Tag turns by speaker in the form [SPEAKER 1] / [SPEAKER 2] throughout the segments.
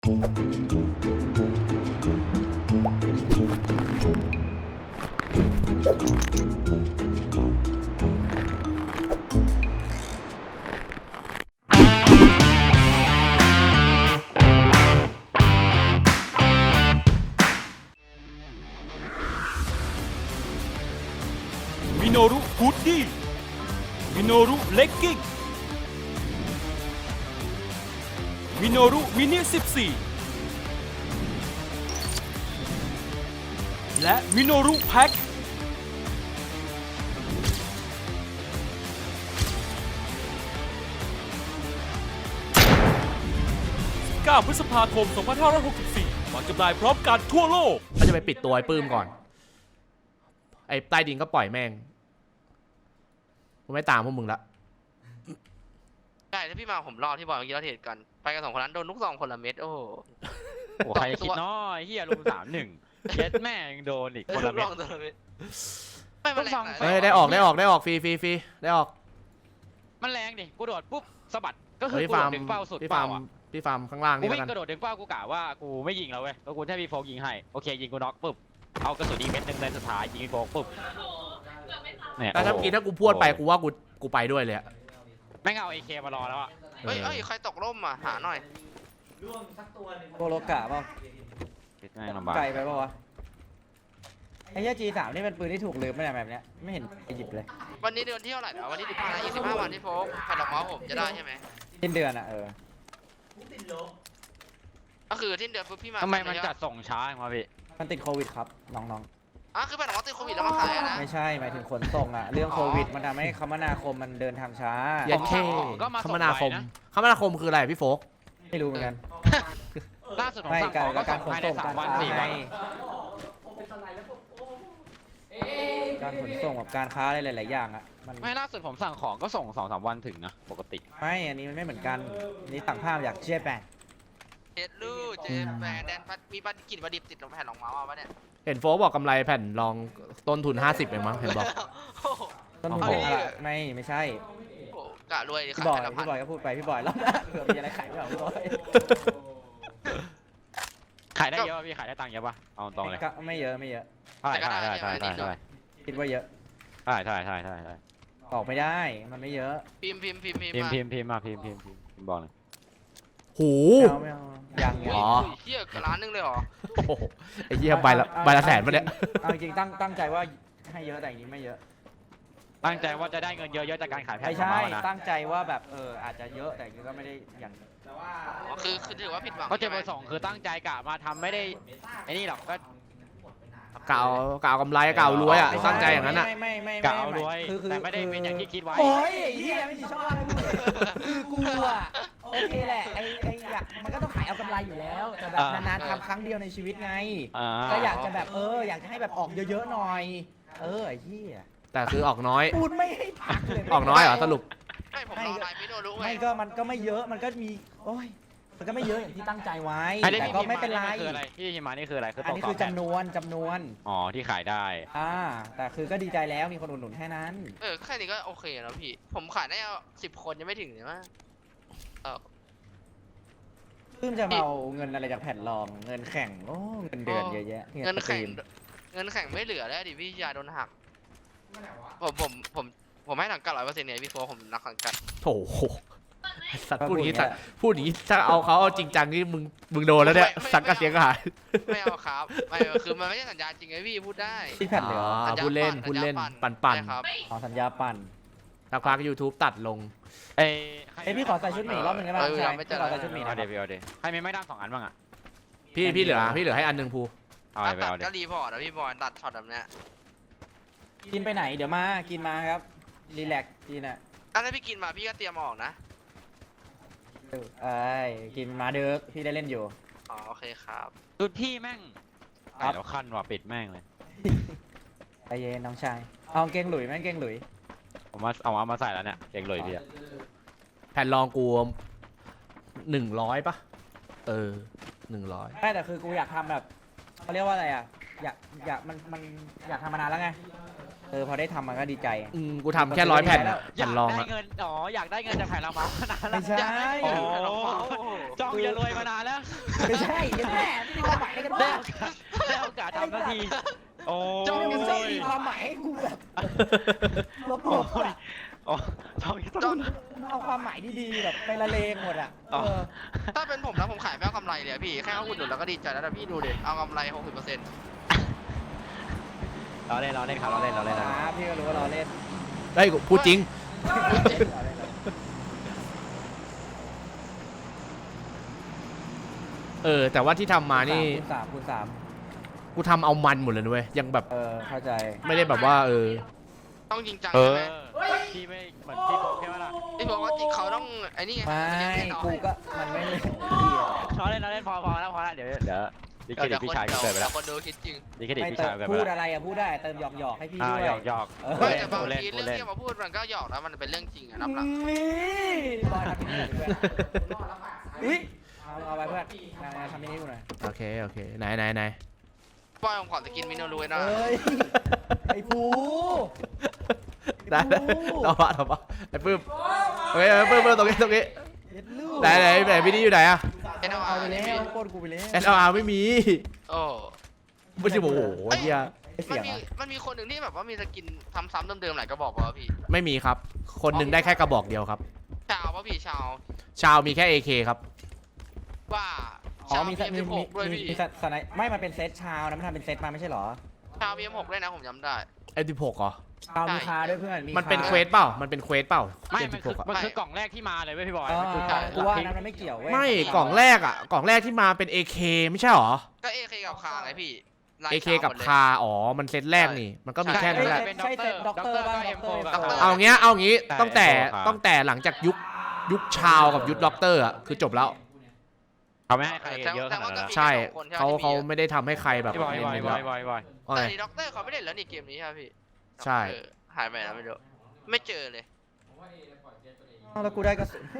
[SPEAKER 1] มิโนรุฮูดดี้มิโนรุเลกกิ้งมิโนรุมินิ14และมิโนรุแพ็ค9 พฤษภาคม 2564 วางจำหน่ายพร้อมกันทั่วโลกก็จะไปปิดตัวไอ้ปื้มก่อนไอ้ใต้ดินก็ปล่อยแม่งกูไม่ตามพวกมึงละ
[SPEAKER 2] ใช่ถ้าพี่มาผมรอที่บอยเมื่อกี้เราเทรดกันไปกัน2 คนนั้นโดนลูก2 คนละเม็ดโอ้โห
[SPEAKER 3] โอ้ใครคิดน้อยเฮียลุง3-1เช็ดแม่งโดนอีกคนละเม็ด
[SPEAKER 2] ไม่มาแรง
[SPEAKER 3] เฮ้
[SPEAKER 1] เฮ้ยได้ออกฟรีได้ออก
[SPEAKER 3] มันแรงดิกูโดดปุ๊บสะบัดก็คือ
[SPEAKER 1] พี่
[SPEAKER 3] กู
[SPEAKER 1] ฟา
[SPEAKER 3] โด
[SPEAKER 1] ร์ม
[SPEAKER 3] ดดึงเป้าสุด
[SPEAKER 1] พี่
[SPEAKER 3] เป้า
[SPEAKER 1] ฟาร์ม
[SPEAKER 3] อ่ะ
[SPEAKER 1] พี่ฟาร์มข้างล่าง
[SPEAKER 3] กู
[SPEAKER 1] นี่
[SPEAKER 3] วิ่
[SPEAKER 1] แล้วกัน
[SPEAKER 3] งกระโดดดึงเป้ากูกะว่ากูไม่ยิงแล้วเว้ยแล้วกูแค่พี่โฟกยิงให้โอเคยิงกูน็อกปุ๊บเอากระสุนอีกเม็ดนึงในสุดท้ายยิงพี่โฟกปุ๊บเนี่ย
[SPEAKER 1] แต่ถ้าเมื่อกี้ถ้ากูพูดไปกูว่ากูไปด้วยเลยอะ
[SPEAKER 3] แม่งเอา AK มารอแล้วอ่ะ
[SPEAKER 2] เฮ้ยใครตกร่มอ่ะหาหน่อย
[SPEAKER 4] โกโลกะเปล่า
[SPEAKER 3] คิดง่ายลำบาก
[SPEAKER 4] ไกลไปเปล่าวะไอ้เหี้ย G3 นี่เป็นปืนที่ถูกลืมไม่ได้แบบเนี้ยไม่เห็นไปหยิบเลย
[SPEAKER 2] วันนี้เดือนที่เท่าไหร่นะวันนี้25 วันที่โฟกแผ่นดอกไม้ผมจะได้ใช่ไหม
[SPEAKER 4] สิ้นเดือนอ่ะ
[SPEAKER 2] ก็คือที่เดือนปุ๊บพี่มา
[SPEAKER 3] ทำไมมันจัดส่งช้ามาพี่
[SPEAKER 4] มันติดโควิดครับน้อง
[SPEAKER 2] คือแผ่นดอกไม้ติดโควิดแล้วมาขายนะ
[SPEAKER 4] ๆไม่ใช่หมายถึงขนส่งอ่ะเรื่องโควิดมันทำให้คมนาคมมันเดินทางช้า
[SPEAKER 1] ยันเท่คมนาคมคืออะไรพี่โฟก
[SPEAKER 4] ไม่รู้เหมือนกัน
[SPEAKER 3] ล่าสุดผม
[SPEAKER 4] ไม่
[SPEAKER 3] สั่งของก็
[SPEAKER 4] กา
[SPEAKER 3] ส่
[SPEAKER 4] รง ขน
[SPEAKER 3] ภายใน
[SPEAKER 4] ส่งการ
[SPEAKER 3] 3 วัน
[SPEAKER 4] ค้า
[SPEAKER 3] 4 วัน
[SPEAKER 4] การขนส่งกับการค้าอะไรหลายๆอย่างอ่ะมัน
[SPEAKER 3] ไม่ล่าสุดผมสั่งของก็ส่ง 2-3 วันถึงนะปกติ
[SPEAKER 4] ไม่อันนี้มันไม่เหมือนกันนี่สั่งภาพอยากเชียร์แปะ
[SPEAKER 2] เจ็ดลูกเจมแบนแดนพัดมีบัตรกลิ่นประดิบติดลงแผ่นดอกไม้มาปะเนี่ย
[SPEAKER 1] เห็นโฟกบอกกำไรแผ่นรองต้นทุน50เองมั้งเห็นบอก
[SPEAKER 4] ต้นทุน
[SPEAKER 1] โอ้โห
[SPEAKER 4] อะไรไม่ใช่
[SPEAKER 2] กะรวยดิ
[SPEAKER 4] พี่
[SPEAKER 2] ขาย
[SPEAKER 4] บอย
[SPEAKER 2] แผ่นละพัน
[SPEAKER 4] พี่บอยก็พูดไปพี่บอยแล้วนะเผื่อมีอะไรขายไม่เอาพี่บอย
[SPEAKER 3] ขายได้เยอะป่ะพี่ขายได้ตังค์เยอะป่ะเอาตรงเลย
[SPEAKER 4] ก็ไม่เยอะ
[SPEAKER 3] ใช่
[SPEAKER 4] คิดว่าเยอะ
[SPEAKER 3] ใช่
[SPEAKER 4] ออกไม่ได้มันไม่เยอะ
[SPEAKER 2] พิมพ์
[SPEAKER 3] พิมพ์มาพิมพ์บอกเลย
[SPEAKER 1] โห
[SPEAKER 4] ไม่เอายัง
[SPEAKER 1] อ๋อ
[SPEAKER 2] เฮียกล้านนึงเลยเหรอ
[SPEAKER 1] โอ้โหไอ้เหี้ยใบละแสนปะเนี่ย
[SPEAKER 4] เอาจริงตั้งใจว่าให้เยอะแต่อย่างนี้ไม่เยอะ
[SPEAKER 3] ตั้งใจว่าจะได้เงินเยอะๆจากการขายแผ่น
[SPEAKER 4] ไม่
[SPEAKER 3] ของ
[SPEAKER 4] ใช่
[SPEAKER 3] เรานะ
[SPEAKER 4] ตั้งใจว่าแบบอาจจะเยอะแต่ก็ไม่ได้อย่าง
[SPEAKER 2] คือถือว่าผิดหวัง
[SPEAKER 3] ก็เจอเบอร์สองคือตั้งใจกะมาทำไม่ได้ไอ้นี่หรอกก็
[SPEAKER 1] กล่าวกำไรกล่าวรวยอ่ะตั้งใจอย่างนั้นอ่ะ
[SPEAKER 4] ไม่
[SPEAKER 3] กะเอารวย
[SPEAKER 4] คือ
[SPEAKER 3] แต่ไม่ได้เป็นอย่างที่คิดไว้
[SPEAKER 4] โอ้ยไอ้เหี้ยไม่ชอบคือกูอะโอเคแหละไอ้อยากมันก็ต้องขายเอากำไรอยู่แล้วแต่แบบนานๆทำครั้งเดียวในชีวิตไงก็อยากจะแบบอยากจะให้แบบออกเยอะๆหน่อยไอ้เหี้ย
[SPEAKER 1] แต่คือออกน้อย
[SPEAKER 4] พูดไม่ให้พักเลย
[SPEAKER 1] ออกน้อยเหรอสรุป
[SPEAKER 2] ไม่ผมรอนายไม่โดนรู้ไง
[SPEAKER 4] ไม่ก็มันก็ไม่เยอะมันก็มีโอ้ยมันก็ไม่เยอะอย่างที่ตั้งใจไว้
[SPEAKER 3] ไอ้ที่
[SPEAKER 4] แต่
[SPEAKER 3] พี่
[SPEAKER 4] ก็
[SPEAKER 3] พิมพ์
[SPEAKER 4] ไม่เป็นไร
[SPEAKER 3] มาคืออะไรที่พิมพ์มานี่คืออะไรคือ
[SPEAKER 4] อันนี้คือจำนวน
[SPEAKER 3] อ๋อที่ขายได้
[SPEAKER 4] แต่คือก็ดีใจแล้วมีคนอุดหนุนแค่นั้น
[SPEAKER 2] แค่นี้ก็โอเคแล้วพี่ผมขายได้10 คนยังไม่ถึงเลยมั้ง
[SPEAKER 4] เพิ่งจะมาเอาเงินอะไรจากแผ่นรองเงินแข่งโอ้เงินเดือนเยอะแยะ
[SPEAKER 2] เงินแข่งไม่เหลือแล้วดิพี่ยาโดนหักผมให้หนังกัด100%เนี่ยพี่โฟผมนักหนังกัด
[SPEAKER 1] โถสัตว์พูดอย่างนี้ถ้าเอาจริงจังนี่มึงโดนแล้วเนี่ยสังกัดเสียงหาย
[SPEAKER 2] ไม่เอาครับไม่คือมันไม่ใช่สัญญาจริงไงพี่พูดได้
[SPEAKER 4] ที่แผ่นเหลือ
[SPEAKER 1] พูดเล่นปั่น
[SPEAKER 2] ครับ
[SPEAKER 4] สัญญาปั่น
[SPEAKER 1] สักพัก YouTube ตัดลง
[SPEAKER 3] เอ้ย
[SPEAKER 4] พี่ขอใส่ชุดหมีรอบหนึงได้ไหมใช่พี่ขอใส่ชุดหมี
[SPEAKER 3] เอา
[SPEAKER 4] นะ
[SPEAKER 3] เดี๋ยวใครมีไม่ด้าม2 อันบ้างอ่ะ
[SPEAKER 1] พี่เหลือให้อันหนึ่งภู
[SPEAKER 3] เอา
[SPEAKER 2] ตั
[SPEAKER 3] ไปเอา
[SPEAKER 2] ด
[SPEAKER 3] เดี๋
[SPEAKER 2] ก็
[SPEAKER 3] ยว
[SPEAKER 2] รีพอร์ตนะพี่บอลตัดช็อตแบบเนี้ย
[SPEAKER 4] กินไปไหนเดี๋ยวมากินมาครับรีแลกกินอ่ะ
[SPEAKER 2] ถ้าพี่กินมาพี่ก็เตรียมออกนะ
[SPEAKER 4] กินมาเด้อพี่ได้เล่นอยู่
[SPEAKER 2] โอเคครับ
[SPEAKER 3] สุดพี่แม่งไอ้เราคันว่ะปิดแม่งเลย
[SPEAKER 4] ใจเย็นน้องชายเอาเกงหลุยแม่งเกงหลุย
[SPEAKER 3] ผมว่าเอามาใส่แล้วเนี่ยเก่งเลยพี่อะ
[SPEAKER 1] แผ่นรองกู100ปะ100
[SPEAKER 4] ไม่แต่คือกูอยากทำแบบเขาเรียกว่าอะไรอ่ะอยากมันอยากทำมานานแล้วไงพอได้ทำมันก็ดีใจ
[SPEAKER 1] กูทำแค่100 แผ่นอะ
[SPEAKER 3] อ
[SPEAKER 1] แผ่
[SPEAKER 3] ยาน ก
[SPEAKER 1] รอง
[SPEAKER 3] ได้
[SPEAKER 1] อะ
[SPEAKER 3] เงินอยากได้เงินจากแผ่นละเมาส์มานานแล้ว
[SPEAKER 4] ไม่ใช่
[SPEAKER 3] จ้องจะรวยมานานแล้ว
[SPEAKER 4] ไม่ใช่แม่ไม่มีความหมายอะไรกัน
[SPEAKER 3] ได้
[SPEAKER 4] บ้าง
[SPEAKER 3] โอกาสทำนาทีโอ้
[SPEAKER 4] จ้องมัน
[SPEAKER 3] ย
[SPEAKER 4] ชอบมีความหมายให้กูแบบลบๆอะ
[SPEAKER 3] อ๋อต้อง
[SPEAKER 2] จ้อง
[SPEAKER 4] เอาความหมายดีๆแบบไปละเลงหมดอ่ะ
[SPEAKER 3] อ๋อ
[SPEAKER 2] ถ้าเป็นผมนะผมขายไม่เอากำไรเลยอะพี่แค่เอาอุดหนุนแล้วก็ดีใจแล้วนะพี่ดูดิเอากำไร 60%
[SPEAKER 3] เราเล่นครับเราเล่น
[SPEAKER 4] ครับพี่ก็รู้ว่าเราเล่น
[SPEAKER 1] ได้กูพูดจริง แต่ว่าที่ทำมานี่
[SPEAKER 4] คูณสาม
[SPEAKER 1] กูทำเอามันหมดเลยนะเว้ยยังแบบ
[SPEAKER 4] เข้าใจ
[SPEAKER 1] ไม่ได้แบบว่า
[SPEAKER 2] ต้องจริงจัง
[SPEAKER 3] เอ
[SPEAKER 2] ใช่
[SPEAKER 3] อ
[SPEAKER 2] ไหม
[SPEAKER 3] ที่ไม่เหมือนที่บอกแค่ว่าล่ะ
[SPEAKER 2] พี่บอกว่าจิเขาต้องไอ้นี่ไง
[SPEAKER 4] ไม่กูก็มันไม่เลย
[SPEAKER 3] เราเล่นพอแล้วเดี๋ยวดิเครดิตพี่ชายเกิดไปแล้ว
[SPEAKER 2] คนดูคิดจริง
[SPEAKER 3] ดิเครดิต
[SPEAKER 4] ไม่
[SPEAKER 3] พี่
[SPEAKER 4] เติ
[SPEAKER 3] ชาย
[SPEAKER 4] ม
[SPEAKER 3] เกิดไป
[SPEAKER 4] พูด
[SPEAKER 3] แล้ว
[SPEAKER 4] อะไรอะพูดได้เติมหยอกให้พี่ด้วย
[SPEAKER 3] หยอก
[SPEAKER 2] ไม่แต่บาง
[SPEAKER 3] เล่น
[SPEAKER 2] ทีเรื่องที่มาพูดมันก็หยอกแล้วมันเป็นเรื่องจริงอะนับหลัง
[SPEAKER 4] บอยทำมินิเพื่อนอุ้ยเอาไปเพื่อนทำมินิดูหน่อย
[SPEAKER 1] โอเคไหน
[SPEAKER 2] บอยผมขอจะกินมิโนรูนะ
[SPEAKER 4] เอ้ยไอ้ภู
[SPEAKER 1] ได้ต่อปะไอ้ปื้มโอเคปื้มตรงนี้
[SPEAKER 4] เย็ดลูก
[SPEAKER 1] ไหนวิดีอยู่ไหนอะ
[SPEAKER 4] เอาไปแล้วโคตรกูไปแล้ว
[SPEAKER 1] SLR ไม่มี
[SPEAKER 2] โอ้
[SPEAKER 1] ไม่ใช่โอ้โหเฮีย
[SPEAKER 4] เสียง
[SPEAKER 2] มันมีคนหนึ่งที่แบบว่ามีสกินซ้ำๆเดิมๆหลายกระบอกป่ะพี่
[SPEAKER 1] ไม่มีครับ คนหนึ่งได้แค่กระบอกเดียวครับ
[SPEAKER 2] ชาวป่ะพี่ชาว
[SPEAKER 1] ชาวมีแค่ AK ครับ
[SPEAKER 2] ว่า
[SPEAKER 4] อ๋อ
[SPEAKER 2] ชาว
[SPEAKER 4] มี
[SPEAKER 2] PM16 ด้วยพี่
[SPEAKER 4] สไนไม่มันเป็นเซตชาวนะมันทำเป็นเซตมาไม่ใช่หรอ
[SPEAKER 2] ชาว PM6 ด้วยนะผมจำได้
[SPEAKER 1] M16 เหรอ
[SPEAKER 4] ชาวมีคาด้วยเพื่อน
[SPEAKER 1] มันเป็นเควสเปล่ามันเป็นเควสเปล่า
[SPEAKER 3] ไม่มัน
[SPEAKER 1] M16 อะ
[SPEAKER 3] คือกล่องแรกที่มาเลยเว้ยพี่บอย
[SPEAKER 4] อ๋อ
[SPEAKER 3] มันคือกล่อง
[SPEAKER 4] กูว่านั้นมันไม่เกี่ยวเว้ย
[SPEAKER 1] ไม่กล่องแรกที่มาเป็น AK ไม่ใช่หรอ
[SPEAKER 2] ก็ AK กับคาไงพี่ลาย
[SPEAKER 1] AK
[SPEAKER 2] ชาว
[SPEAKER 1] กับ
[SPEAKER 2] หมดเลย
[SPEAKER 1] คาอ๋อมันเซตแรกนี่ มันก็มีแค่นั้นแหละ
[SPEAKER 4] ใช่เซตด็อกเตอร์บ้างด็อกเตอร์
[SPEAKER 1] เอางี้ตั้งแต่หลังจากยุคชาวกับยุคด็อกเตอร์อ่ะคือจบแล้ว
[SPEAKER 3] เขาไม่ให้ใครเยอะขนาดนั้น
[SPEAKER 1] ใช่เขาไม่ได้ทำให้ใครแบบ
[SPEAKER 3] พี่บอย
[SPEAKER 1] เน้นๆแล้ว ว่า
[SPEAKER 2] แต่
[SPEAKER 1] ไง
[SPEAKER 2] นี่ด็อกเตอร์เขาไม่เล่นแล้วนี่เกมนี้ใช่ไหมพี่
[SPEAKER 1] ใช่
[SPEAKER 2] หายไปแล้วไม่รู้ไม่เจอเลย
[SPEAKER 4] แล้วกูได้กระสุน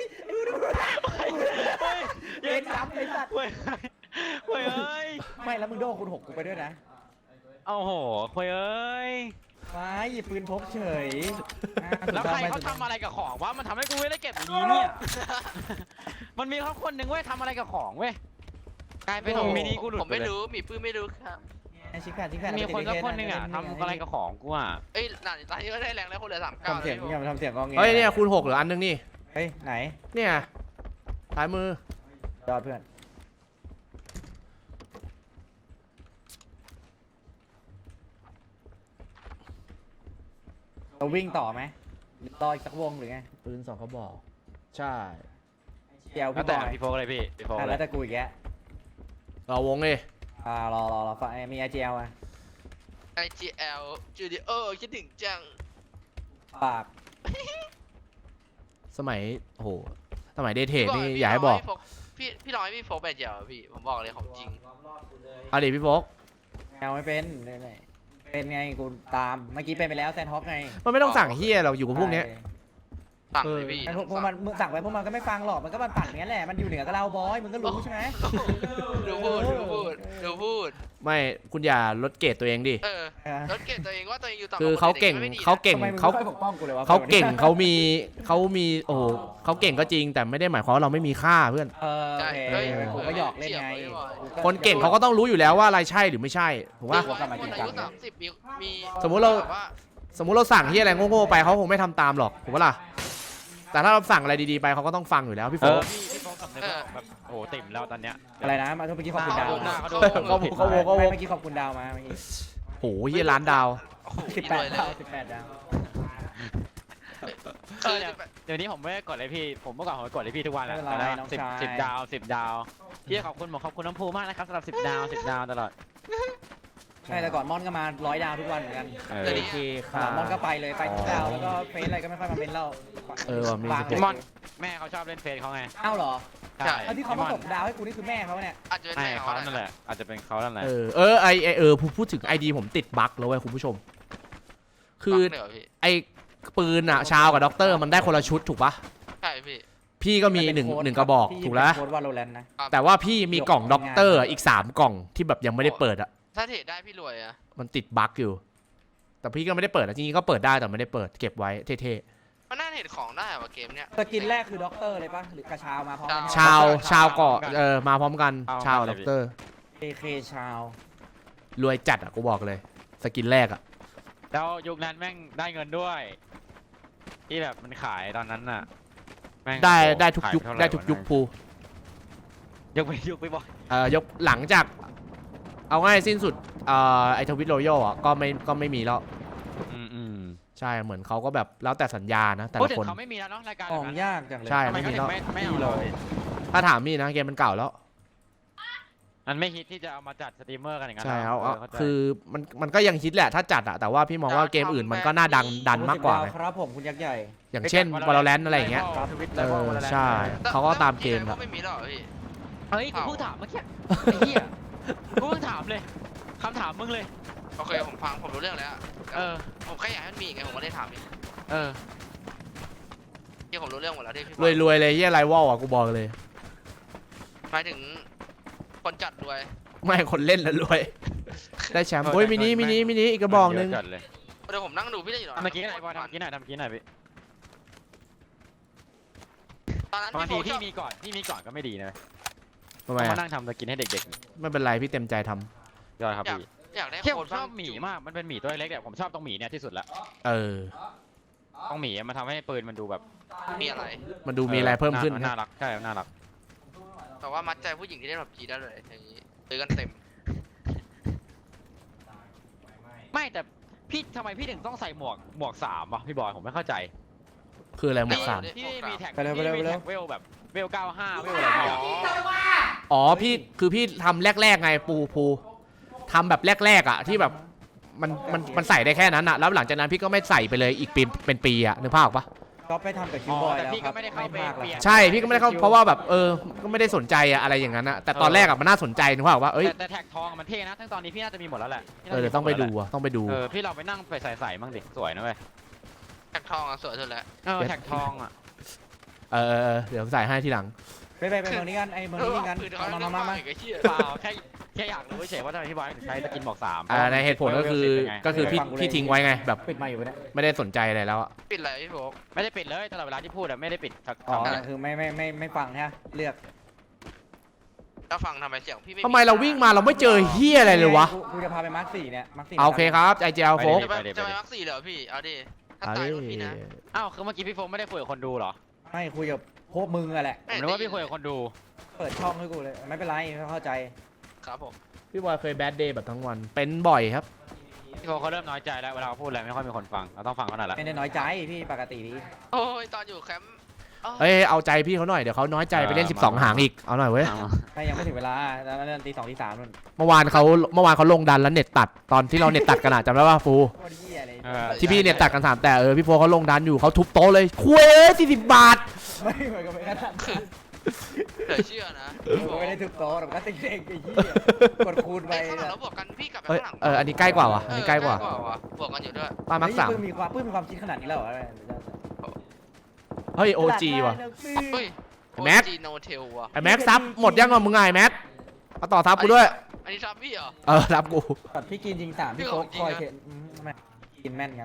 [SPEAKER 4] เล่นซ้ำเลยสัตว์
[SPEAKER 3] เฮ้ยเอ้ย
[SPEAKER 4] ไม่แล้วมึงโดนคูณ 6กูไปด้วยนะ
[SPEAKER 3] โอ้โหเฮ้ยเอ้ย
[SPEAKER 4] มาหยิบปืนพกเฉย
[SPEAKER 3] แล้วใครเขาทำอะไรกับของวะมันทำให้กูไม่ได้เก็บอย่างนี้เนี่ย มันมีเขาคนหนึ่งเว้ยทำอะไรกับของเว้ยกลายเป็นของมินิกูหลุด
[SPEAKER 2] ผมไม่รู้มีปื้มไม่รู้ครับ
[SPEAKER 4] ชิคกี้พาย
[SPEAKER 3] มีคนสักคนหนึ่งอ่ะทำอะไรกับของกูอ่ะ
[SPEAKER 2] เอ้ยหลานตอนนี้ก็ได้แรงแล้วคนเหลือ39
[SPEAKER 4] ทำเสียง
[SPEAKER 2] แล้ว
[SPEAKER 4] อย่ามาทำเสียงกองเงี้
[SPEAKER 1] เฮ้ยเนี่ยคูณ6เหลืออันนึงนี่
[SPEAKER 4] เฮ้ยไหน
[SPEAKER 1] เนี่ยซ้ายมือ
[SPEAKER 4] ยอดเพื่อนเราวิ่งต่อไหมรออีกสักวงหรือไง
[SPEAKER 1] ปืน2กระบอกใช่
[SPEAKER 4] เจียว
[SPEAKER 3] แล้ว
[SPEAKER 4] พี่บ
[SPEAKER 3] แต่
[SPEAKER 4] อย
[SPEAKER 3] พี่โฟกเลยพี่โฟกเล
[SPEAKER 4] แล้
[SPEAKER 3] ยว
[SPEAKER 4] แต่กูอีกแก
[SPEAKER 1] เราวงเลย
[SPEAKER 4] รอฟังมีไอเจียวอ่ะ
[SPEAKER 2] IGL Studio คิดถึงจัง
[SPEAKER 4] ปาก
[SPEAKER 1] สมัยโอ้โหสมัยเดทเทดนี่อย่าให้บอก
[SPEAKER 2] พี่น้อยพี่โฟกแบบเดียวพี่ผมบอกเลยของจริง
[SPEAKER 1] เอาดิพี่โฟก
[SPEAKER 4] แมวไม่เป็นเป็นไงกูตามเมื่อกี้เป็นไปแล้วแซนฮอกไง
[SPEAKER 1] มันไม่ต้องสั่งเฮียเราอยู่กับพวกเนี้ย
[SPEAKER 2] สั่งเลยพี่
[SPEAKER 4] พวกมันมึงสั่งไปพวกมันก็ไม่ฟังหรอกมันก็มันปั่นอย่างนี้แหละมันอยู่เหนือกับเราบอยมึงก็รู้ใช่ไหม
[SPEAKER 2] ดูพูด
[SPEAKER 1] ไม่คุณอย่าลดเกรดตัวเองดิ
[SPEAKER 2] รถเก่งตัวเองว่าตัวเองอยู่ต่ำ
[SPEAKER 1] คือเขาเก่ง
[SPEAKER 4] ทำไมมึงไม่ปกป้องกูเลยวะ
[SPEAKER 1] เขาเก่งเขามีโอ้โหเขาเก่งก็จริงแต่ไม่ได้หมายความว่าเราไม่มีค่าเพื่อน
[SPEAKER 2] ใช่
[SPEAKER 4] กูก็หยอกเล่นไง
[SPEAKER 1] คนเก่งเขาก็ต้องรู้อยู่แล้วว่าอะไรใช่หรือไม่ใช่ถูกปะ
[SPEAKER 2] คนอายุ30มี
[SPEAKER 1] สมมุติเราสั่งที่อะไรโง่ๆไปเขาคงไม่ทำตามหรอกถูกปะล่ะแต่ถ้าเราสั่งอะไรดีๆไปเขาก็ต้องฟังอยู่แล้วพี่โฟก
[SPEAKER 3] พี่โฟกสำนึกแบบโอ้ติ่มแล้วตอนเนี้ย
[SPEAKER 4] อะไรนะมาเมื่อกี้ขอบคุณดาว
[SPEAKER 1] เขาเ
[SPEAKER 4] มื่อกี้ขอบคุณดาวมาเมื่อกี้
[SPEAKER 1] โหเฮียล้านดาว
[SPEAKER 4] 18 ดาว
[SPEAKER 3] เดี๋ยวนี้ผมไม่กดเลยพี่ผมเมื่อก่อนผมกดเลยพี่ทุกวันแหละสิบดาวพี่ขอบคุณขอบคุณน้ำพูมากนะครับสำหรับ10 ดาวตลอด
[SPEAKER 4] ใช่แต่ก่อนมอนก็มา100 ดาวทุกวันเหมือนกัน
[SPEAKER 1] โอเคค่ะ
[SPEAKER 4] มอนก็ไปเลยไปทุกดาวแล้วก็เฟซอะไรก็ไม่ค่อยมาเม้นเรา
[SPEAKER 3] มอนแม่เขาชอบเล่นเฟซเขาไง
[SPEAKER 4] อ้าวเหรอ
[SPEAKER 3] ใช่
[SPEAKER 4] แล้วที่เขามาตกดาวให้กูนี่คือแม่เขาเนี่ย
[SPEAKER 2] อาจจะเป็น
[SPEAKER 3] ใช่
[SPEAKER 2] แม่
[SPEAKER 3] เขานั่นแหละอาจจะเป็นเขานั่นแหละ
[SPEAKER 1] พูดถึงไอดีผมติดบั๊กแล้วเว้ยคุณผู้ชม คือไอปืนอะชาวกับด็อกเตอร์มันได้คนละชุดถูกปะ
[SPEAKER 2] ใช่พี่
[SPEAKER 1] พี่ก็มีหนึ่งกระบอกถูกแล้ว
[SPEAKER 4] โค้ดว่าโรแลนด์นะ
[SPEAKER 1] แต่ว่าพี่มีกล่องด็อกเตอร์อีก3กล่องที่แบบยังไม่ได้เปิดอะ
[SPEAKER 2] ถ้าเทรดได้พี่รวยอะ
[SPEAKER 1] มันติดบั๊กอยู่ แต่พี่ก็ไม่ได้เปิดนะจริงๆก็เปิดได้แต่ไม่ได้เปิดเก็บไว้เท่
[SPEAKER 2] มันน่าเห็นของได้ว่ะเกมเนี้ย
[SPEAKER 4] สกินแรกคือด็อกเตอร์เลยปะหรือกระชาวมาพร้อมกัน
[SPEAKER 1] ชาวเกาะมาพร้อมกันชาวด็อกเตอร์
[SPEAKER 4] AK ชาว
[SPEAKER 1] รวยจัดอ่ะกูบอกเลยสกินแรกอ่ะ
[SPEAKER 3] แล้วยุคนั้นแม่งได้เงินด้วย ที่แบบมันขายตอนนั้นน่ะแม่ง
[SPEAKER 1] ได้ทุก
[SPEAKER 3] ขาย
[SPEAKER 1] ยุค
[SPEAKER 3] เท่าหร่
[SPEAKER 1] ได้ทุกยุคภู
[SPEAKER 3] ยกไปบ่อย
[SPEAKER 1] ยกหลังจากเอาง่ายสิ้นสุดไอทวิตโรยัลอ่ะก็ไม่มีแล้ว
[SPEAKER 3] อืม
[SPEAKER 1] ใช่เหมือนเขาก็แบบแล้วแต่สัญญานะแต่
[SPEAKER 3] พูด
[SPEAKER 1] ละ
[SPEAKER 3] ถึง
[SPEAKER 1] คน
[SPEAKER 3] เขาไม่มีแล้วเนาะรายการ
[SPEAKER 4] ข
[SPEAKER 3] แบบ
[SPEAKER 4] อง
[SPEAKER 3] นั้น
[SPEAKER 4] ยากจังเลย
[SPEAKER 1] ใช่
[SPEAKER 3] ทำไมเขาถึงไม่เอาเลย
[SPEAKER 1] ถ้าถามมี่นะเกมมันเก่าแล้ว
[SPEAKER 3] มันไม่ฮิตที่จะเอามาจัดสตรีมเมอร์กันอย่างนั้น
[SPEAKER 1] ใช่
[SPEAKER 3] หร
[SPEAKER 1] เอาคือมันก็ยังฮิตแหละถ้าจัดอะแต่ว่าพี่มองว่าเกมอื่นมันก็น่าดันมากกว่าไง
[SPEAKER 4] ครับผมคุณยักษ์ใหญ่
[SPEAKER 1] อย่างเช่น Valorant อะไรอย่างเงี้ย
[SPEAKER 3] ทวิต
[SPEAKER 1] ใช่เขาก็ตามเกม
[SPEAKER 2] แล้
[SPEAKER 1] อะ
[SPEAKER 2] วไม่มีหรอกพี่
[SPEAKER 3] เฮ้ยกูเพิ่งถามเมื่อกี้ไอ้เหี้ยกูเพิ่งถามเลยคำถามมึงเลย
[SPEAKER 2] โอเคผมฟังผมรู้เรื่องแล้ว ผมแค่อยากให้มันมีไงผมก็ได้ถามอีก
[SPEAKER 3] เออ
[SPEAKER 2] ที่ผมรู้เรื่องหมดแล้วที่พี่
[SPEAKER 1] รวยเลยเยี่ยไรวอลอะกูบอกเลย
[SPEAKER 2] หมายถึงคนจัดรวย
[SPEAKER 1] ไม่คนเล่นแล้วรวย ได้แชมป์โอ้ยมินิอีกกระบอกนึง
[SPEAKER 3] เยะจัดเลย
[SPEAKER 2] เดี๋ยวผมนั่งดูพี่ได้อยู่หรอ
[SPEAKER 3] เมื่อกี้ไหนบอลทำเมื่อกี้ไหนหน่อยพี่
[SPEAKER 2] ตอนนั้น
[SPEAKER 3] บางที
[SPEAKER 2] พี่
[SPEAKER 3] พี่มีก่อนก็ไม่ดีนะ
[SPEAKER 1] ทำไม
[SPEAKER 3] มา
[SPEAKER 1] อะ
[SPEAKER 3] นั่งทำสกินให้เด็ก
[SPEAKER 1] ไม่เป็นไรพี่เต็มใจทำ
[SPEAKER 3] ๆยอดครับพี่
[SPEAKER 2] อยากได้
[SPEAKER 3] เที่ยว
[SPEAKER 2] โค
[SPEAKER 3] ผ
[SPEAKER 2] น
[SPEAKER 3] มชอบหมีมากมันเป็นหมีตัวเล็กเนี่ยผมชอบตรงหมีเนี่ยที่สุดละ ต้องหมีมันทำให้ปืนมันดูแบบ
[SPEAKER 2] มีอะไร
[SPEAKER 1] มันดูมีอะไรเพิ่มขึ้น
[SPEAKER 3] น่ารักใช่น่ารัก
[SPEAKER 2] แต่ว่ามัดใจผู้หญิงที่เล่นแบบจีได้เลยอย่างนี้ซื้อกันเต็ม
[SPEAKER 3] ไม่แต่พี่ทำไมพี่ถึงต้องใส่หมวก3วะพี่บอยผมไม่เข้าใจ
[SPEAKER 1] คืออะไรหมวกสาม
[SPEAKER 3] พี่ไม่มีแท็ก
[SPEAKER 4] ไปเร็ว
[SPEAKER 3] พี่ไม่มีแท็กเวลแบบเวล95เวลอะไรเงี้ย
[SPEAKER 1] อ๋อพี่ทำแรกไงปูทำแบบแรกอะที่แบบมันใส่ได้แค่นั้นอะแล้วหลังจากนั้นพี่ก็ไม่ใส่ไปเลยอีกปีเป็นปีอะนึกภาพออกปะ
[SPEAKER 4] ก็ไปทำกับคิวบอย
[SPEAKER 3] แต่
[SPEAKER 4] แล้ว
[SPEAKER 3] พี่
[SPEAKER 4] ค
[SPEAKER 3] ก็
[SPEAKER 4] รับ
[SPEAKER 3] ไม่ได้เข้าไป
[SPEAKER 4] มาก
[SPEAKER 3] เปลี่ยน
[SPEAKER 1] ใช่พี่ก็ไม่ได้เข้าเพราะว่าแบบก็ไม่ได้สนใจอะอะไรอย่างนั้นอะแต่ตอนแรกอะมันน่าสนใจนึกภาพออกปะเอ้ย
[SPEAKER 3] แต่แท็กทองมันเท่นะทั้งตอนนี้พี่น่าจะมีหมดแล้วแหละ
[SPEAKER 1] เดี๋ยวต้องไปดูอะต้องไปดู
[SPEAKER 3] พี่เราไปนั่งไปใส่มั่งดิสวยนะเว้ย
[SPEAKER 2] แท็กทองอ่ะสวยสุดแล้ว
[SPEAKER 3] แท็กทองอ่ะ
[SPEAKER 1] เดี๋ยวใส่ให้ทีหลัง
[SPEAKER 4] ไปเมืองนี้กันไอ้เมืองนี้กัน
[SPEAKER 2] ปืนเขา
[SPEAKER 4] มา
[SPEAKER 2] อีกไอ้เหี้ย
[SPEAKER 3] เปล่าแค่อยากรู้เฉยว่าทำไมพี่บอยถึงใช้สกินบอก3
[SPEAKER 1] ในเหตุผลก็คือพี่ทิ้งไว้ไงแบบ
[SPEAKER 4] ปิดไมาอยู่เนี่ย
[SPEAKER 1] ไม่ได้สนใจอะไรแล้วอะ
[SPEAKER 2] ปิดอะไรพี่โฟก
[SPEAKER 3] ไม่ได้ปิดเลยตลอดเวลาที่พูดอะไม่ได้ปิดสัก
[SPEAKER 4] อ๋อ
[SPEAKER 3] คำเลย
[SPEAKER 4] คือไม่ฟังฮะเลือก
[SPEAKER 2] ถ้าฟังทำไมเสียงพี่ไม่
[SPEAKER 1] ทำไมเราวิ่งมาเราไม่เจอเฮียอะไรเลยวะ
[SPEAKER 4] กูจะพาไปมาร์ค4เนี่ยมาร์ค4
[SPEAKER 1] โอเคครับไอเจลโฟก
[SPEAKER 2] จะไปมักสี่เหรอพี่เอาดิถ้าตายก็พี่นะ
[SPEAKER 3] อ้าวคือเมื่อกี้พี่โฟมไม่ได้คุยกับคนดูเหรอ
[SPEAKER 4] ไม่คุยกับพวกมึงอะแหละ
[SPEAKER 3] ผมนึกว่าพี่คุยกับคนดู
[SPEAKER 4] เปิดช่องให้กูเลยไม่เป็นไรเข้าใจ
[SPEAKER 2] ครับผม
[SPEAKER 1] พี่บอยเคยแบดเดย์แบบทั้งวันเป็นบ่อยครับ
[SPEAKER 3] พี่โฟเขาเริ่มน้อยใจแล้วเวลาเขาพูดอะไรไม่ค่อยมีคนฟังเราต้องฟังเขาหน่อยละ
[SPEAKER 4] ไม่ได้น้อยใจพี่ปกติดี
[SPEAKER 2] โอ้ยตอนอยู่แคมป์
[SPEAKER 1] เอ้ยเอาใจพี่เขาหน่อยเดี๋ยวเขาน้อยใจไปเล่น12 หางอีกเอาหน่อยเว้ย
[SPEAKER 4] ถ้ายังไม่ถึงเวลาแล้วตี 2 ตี 3นู่น
[SPEAKER 1] เมื่อวานเขาลงดันแล้วเน็ตตัดตอนที่เราเน็ตตัดกันอะจำได้ป่ะฟู
[SPEAKER 4] โคตรเหี้ยเลย
[SPEAKER 1] ที่พี่เน็ตตัดกัน3แต่พี่โฟเขาลงดันอยู่เขาทุบโต๊ะเลยคุย40 บาท
[SPEAKER 4] ไม่เหมือนกับไม่กระทั่ง
[SPEAKER 2] เหลือเชื่อนะ
[SPEAKER 4] ผมไม่ได้ทุบโต๊ะแต่ก็ติ๊กเด็กไอ้เหี้ยกดคูณไป
[SPEAKER 2] ไอ้ข้างหลังเราบวกกันพี่กลับไป
[SPEAKER 1] เอ้ย
[SPEAKER 2] ข้างหลัง
[SPEAKER 1] อันนี้ใกล้กว่าวะอันนี้ใกล้กว่า
[SPEAKER 2] บวกกันอยู่ด้วย
[SPEAKER 1] ป้ามักสาม
[SPEAKER 4] ปื้มมีความคิดขนาดนี้แล้วเหรอ
[SPEAKER 1] เฮ้ยโอจีว่ะ
[SPEAKER 2] เฮ้ย
[SPEAKER 1] แม็ก
[SPEAKER 2] จีโนเทลว่ะ
[SPEAKER 1] ไอแม็กซับหมดยังอ่ะมึงไงแม็กเอาต่อซับกูด้วย
[SPEAKER 2] อันนี้ซับพี่เหรอ
[SPEAKER 1] รับกู
[SPEAKER 4] ตัดพี่กินยิง3พี่โค้กคอยเทนไม่กินแม่นครับ